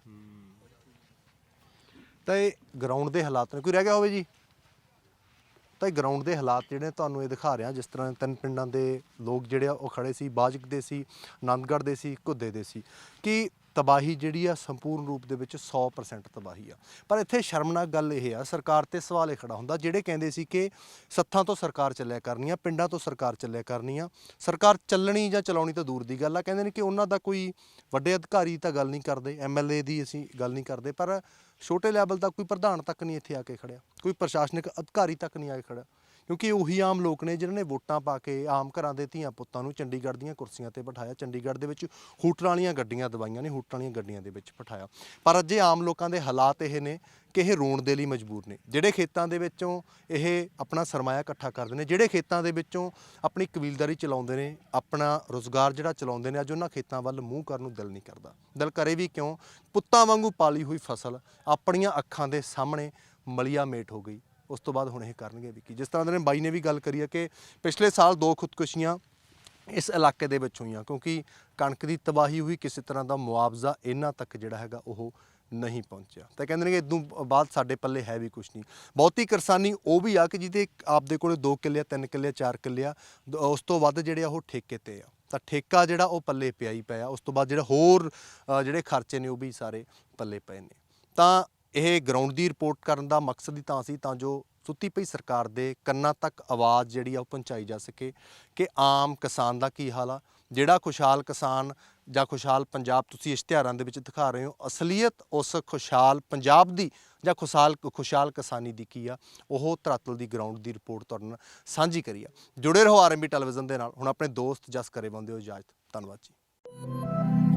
Speaker 2: ਤਾਂ ਇਹ ਗਰਾਊਂਡ ਦੇ ਹਾਲਾਤ ਨੇ। ਕੋਈ ਰਹਿ ਗਿਆ ਹੋਵੇ ਜੀ? ਤਾਂ ਇਹ ਗਰਾਊਂਡ ਦੇ ਹਾਲਾਤ ਜਿਹੜੇ ਤੁਹਾਨੂੰ ਇਹ ਦਿਖਾ ਰਿਹਾ, ਜਿਸ ਤਰ੍ਹਾਂ 3 ਪਿੰਡਾਂ ਦੇ ਲੋਕ ਜਿਹੜੇ ਆ ਉਹ ਖੜੇ ਸੀ, ਬਾਜਕ ਦੇ ਸੀ, ਆਨੰਦਗੜ੍ਹ ਦੇ ਸੀ, ਘੁੱਦੇ ਦੇ ਸੀ, ਕਿ ਤਬਾਹੀ ਜਿਹੜੀ ਆ ਸੰਪੂਰਨ ਰੂਪ ਦੇ ਵਿੱਚ 100% ਤਬਾਹੀ ਆ। ਪਰ ਇੱਥੇ ਸ਼ਰਮਨਾਕ ਗੱਲ ਇਹ ਆ, ਸਰਕਾਰ ਤੇ ਸਵਾਲ ਇਹ ਖੜਾ ਹੁੰਦਾ, ਜਿਹੜੇ ਕਹਿੰਦੇ ਸੀ ਕਿ ਸੱਥਾਂ ਤੋਂ ਸਰਕਾਰ ਚੱਲਿਆ ਕਰਨੀ ਆ, ਪਿੰਡਾਂ ਤੋਂ ਸਰਕਾਰ ਚੱਲਿਆ ਕਰਨੀ ਆ, ਸਰਕਾਰ ਚੱਲਣੀ ਜਾਂ ਚਲਾਉਣੀ ਤਾਂ ਦੂਰ ਦੀ ਗੱਲ ਆ, ਕਹਿੰਦੇ ਨੇ ਕਿ ਉਹਨਾਂ ਦਾ ਕੋਈ ਵੱਡੇ ਅਧਿਕਾਰੀ ਤਾਂ ਗੱਲ ਨਹੀਂ ਕਰਦੇ, MLA ਦੀ ਅਸੀਂ ਗੱਲ ਨਹੀਂ ਕਰਦੇ, ਪਰ ਛੋਟੇ ਲੈਵਲ ਦਾ ਕੋਈ ਪ੍ਰਧਾਨ ਤੱਕ ਨਹੀਂ ਇੱਥੇ ਆ ਕੇ ਖੜਿਆ, ਕੋਈ ਪ੍ਰਸ਼ਾਸਨਿਕ ਅਧਿਕਾਰੀ ਤੱਕ ਨਹੀਂ ਆ ਕੇ ਖੜਿਆ, ਕਿਉਂਕਿ ਉਹੀ ਆਮ ਲੋਕ ਨੇ ਜਿਨ੍ਹਾਂ ਨੇ ਵੋਟਾਂ ਪਾ ਕੇ ਆਮ ਘਰਾਂ ਦੇ ਧੀਆਂ ਪੁੱਤਾਂ ਨੂੰ ਚੰਡੀਗੜ੍ਹ ਦੀਆਂ ਕੁਰਸੀਆਂ ਤੇ ਬਿਠਾਇਆ, ਚੰਡੀਗੜ੍ਹ ਦੇ ਵਿੱਚ ਹੂਟਰਾਂ ਵਾਲੀਆਂ ਗੱਡੀਆਂ ਦਵਾਈਆਂ ਨੇ, ਹੂਟਰਾਂ ਵਾਲੀਆਂ ਗੱਡੀਆਂ ਦੇ ਵਿੱਚ ਬਿਠਾਇਆ। ਪਰ ਅੱਜ ਆਮ ਲੋਕਾਂ ਦੇ ਹਾਲਾਤ ਇਹ ਨੇ ਕਿ ਇਹ ਰੋਣ ਦੇ ਲਈ ਮਜਬੂਰ ਨੇ, ਜਿਹੜੇ ਖੇਤਾਂ ਦੇ ਵਿੱਚੋਂ ਇਹ ਆਪਣਾ ਸਰਮਾਇਆ ਇਕੱਠਾ ਕਰਦੇ ਨੇ, ਜਿਹੜੇ ਖੇਤਾਂ ਦੇ ਵਿੱਚੋਂ ਆਪਣੀ ਕਬੀਲਦਾਰੀ ਚਲਾਉਂਦੇ ਨੇ, ਆਪਣਾ ਰੁਜ਼ਗਾਰ ਜਿਹੜਾ ਚਲਾਉਂਦੇ ਨੇ, ਅੱਜ ਉਹਨਾਂ ਖੇਤਾਂ ਵੱਲ ਮੂੰਹ ਕਰਨ ਨੂੰ ਦਿਲ ਨਹੀਂ ਕਰਦਾ। ਦਿਲ ਕਰੇ ਵੀ ਕਿਉਂ, ਪੁੱਤਾਂ ਵਾਂਗੂ ਪਾਲੀ ਹੋਈ ਫਸਲ ਆਪਣੀਆਂ ਅੱਖਾਂ ਦੇ ਸਾਹਮਣੇ ਮਲੀਆ ਮੇਟ ਹੋ ਗਈ, ਉਸ ਤੋਂ ਬਾਅਦ ਹੁਣ ਇਹ ਕਰਨਗੇ ਵੀ ਕੀ। ਜਿਸ ਤਰ੍ਹਾਂ ਦੇ ਬਾਈ ਨੇ ਵੀ ਗੱਲ ਕਰੀ ਹੈ ਕਿ ਪਿਛਲੇ ਸਾਲ 2 ਖੁਦਕੁਸ਼ੀਆਂ ਇਸ ਇਲਾਕੇ ਦੇ ਵਿੱਚ ਹੋਈਆਂ, ਕਿਉਂਕਿ ਕਣਕ ਦੀ ਤਬਾਹੀ ਹੋਈ, ਕਿਸੇ ਤਰ੍ਹਾਂ ਦਾ ਮੁਆਵਜ਼ਾ ਇਹਨਾਂ ਤੱਕ ਜਿਹੜਾ ਹੈਗਾ ਉਹ ਨਹੀਂ ਪਹੁੰਚਿਆ। ਤਾਂ ਕਹਿੰਦੇ ਨੇ ਕਿ ਇਦੋਂ ਬਾਅਦ ਸਾਡੇ ਪੱਲੇ ਹੈ ਵੀ ਕੁਛ ਨਹੀਂ। ਬਹੁਤੀ ਕਿਸਾਨੀ ਉਹ ਵੀ ਆ ਕਿ ਜਿਹਦੇ ਆਪਦੇ ਕੋਲ 2 ਕਿੱਲੇ 3 ਕਿੱਲੇ 4 ਕਿੱਲੇ ਆ, ਉਸ ਤੋਂ ਵੱਧ ਜਿਹੜੇ ਆ ਉਹ ਠੇਕੇ ਤੇ ਆ, ਤਾਂ ਠੇਕਾ ਜਿਹੜਾ ਉਹ ਪੱਲੇ ਪਿਆ ਹੀ ਪਿਆ। ਉਸ ਤੋਂ ਬਾਅਦ ਜਿਹੜਾ ਹੋਰ ਜਿਹੜੇ ਖਰਚੇ ਨੇ ਉਹ ਵੀ ਸਾਰੇ ਪੱਲੇ ਪਏ ਨੇ। ਤਾਂ ਇਹ ਗਰਾਊਂਡ ਦੀ ਰਿਪੋਰਟ ਕਰਨ ਦਾ ਮਕਸਦ ਹੀ ਤਾਂ ਸੀ, ਤਾਂ ਜੋ ਸੁੱਤੀ ਪਈ ਸਰਕਾਰ ਦੇ ਕੰਨਾਂ ਤੱਕ ਆਵਾਜ਼ ਜਿਹੜੀ ਆ ਉਹ ਪਹੁੰਚਾਈ ਜਾ ਸਕੇ ਕਿ ਆਮ ਕਿਸਾਨ ਦਾ ਕੀ ਹਾਲ ਆ। ਜਿਹੜਾ ਖੁਸ਼ਹਾਲ ਕਿਸਾਨ ਜਾਂ ਖੁਸ਼ਹਾਲ ਪੰਜਾਬ ਤੁਸੀਂ ਇਸ਼ਤਿਹਾਰਾਂ ਦੇ ਵਿੱਚ ਦਿਖਾ ਰਹੇ ਹੋ, ਅਸਲੀਅਤ ਉਸ ਖੁਸ਼ਹਾਲ ਪੰਜਾਬ ਦੀ ਜਾਂ ਖੁਸ਼ਹਾਲ ਕਿਸਾਨੀ ਦੀ ਕੀ ਆ, ਉਹ ਧਰਾਤਲ ਦੀ ਗਰਾਊਂਡ ਦੀ ਰਿਪੋਰਟ ਤੁਹਾਡੇ ਨਾਲ ਸਾਂਝੀ ਕਰੀ ਆ। ਜੁੜੇ ਰਹੋ RMB ਟੈਲੀਵਿਜ਼ਨ ਦੇ ਨਾਲ। ਹੁਣ ਆਪਣੇ ਦੋਸਤ ਜਸ ਕਰੇ ਬੰਦੇ ਹੋ ਇਜਾਜ਼ਤ। ਧੰਨਵਾਦ ਜੀ।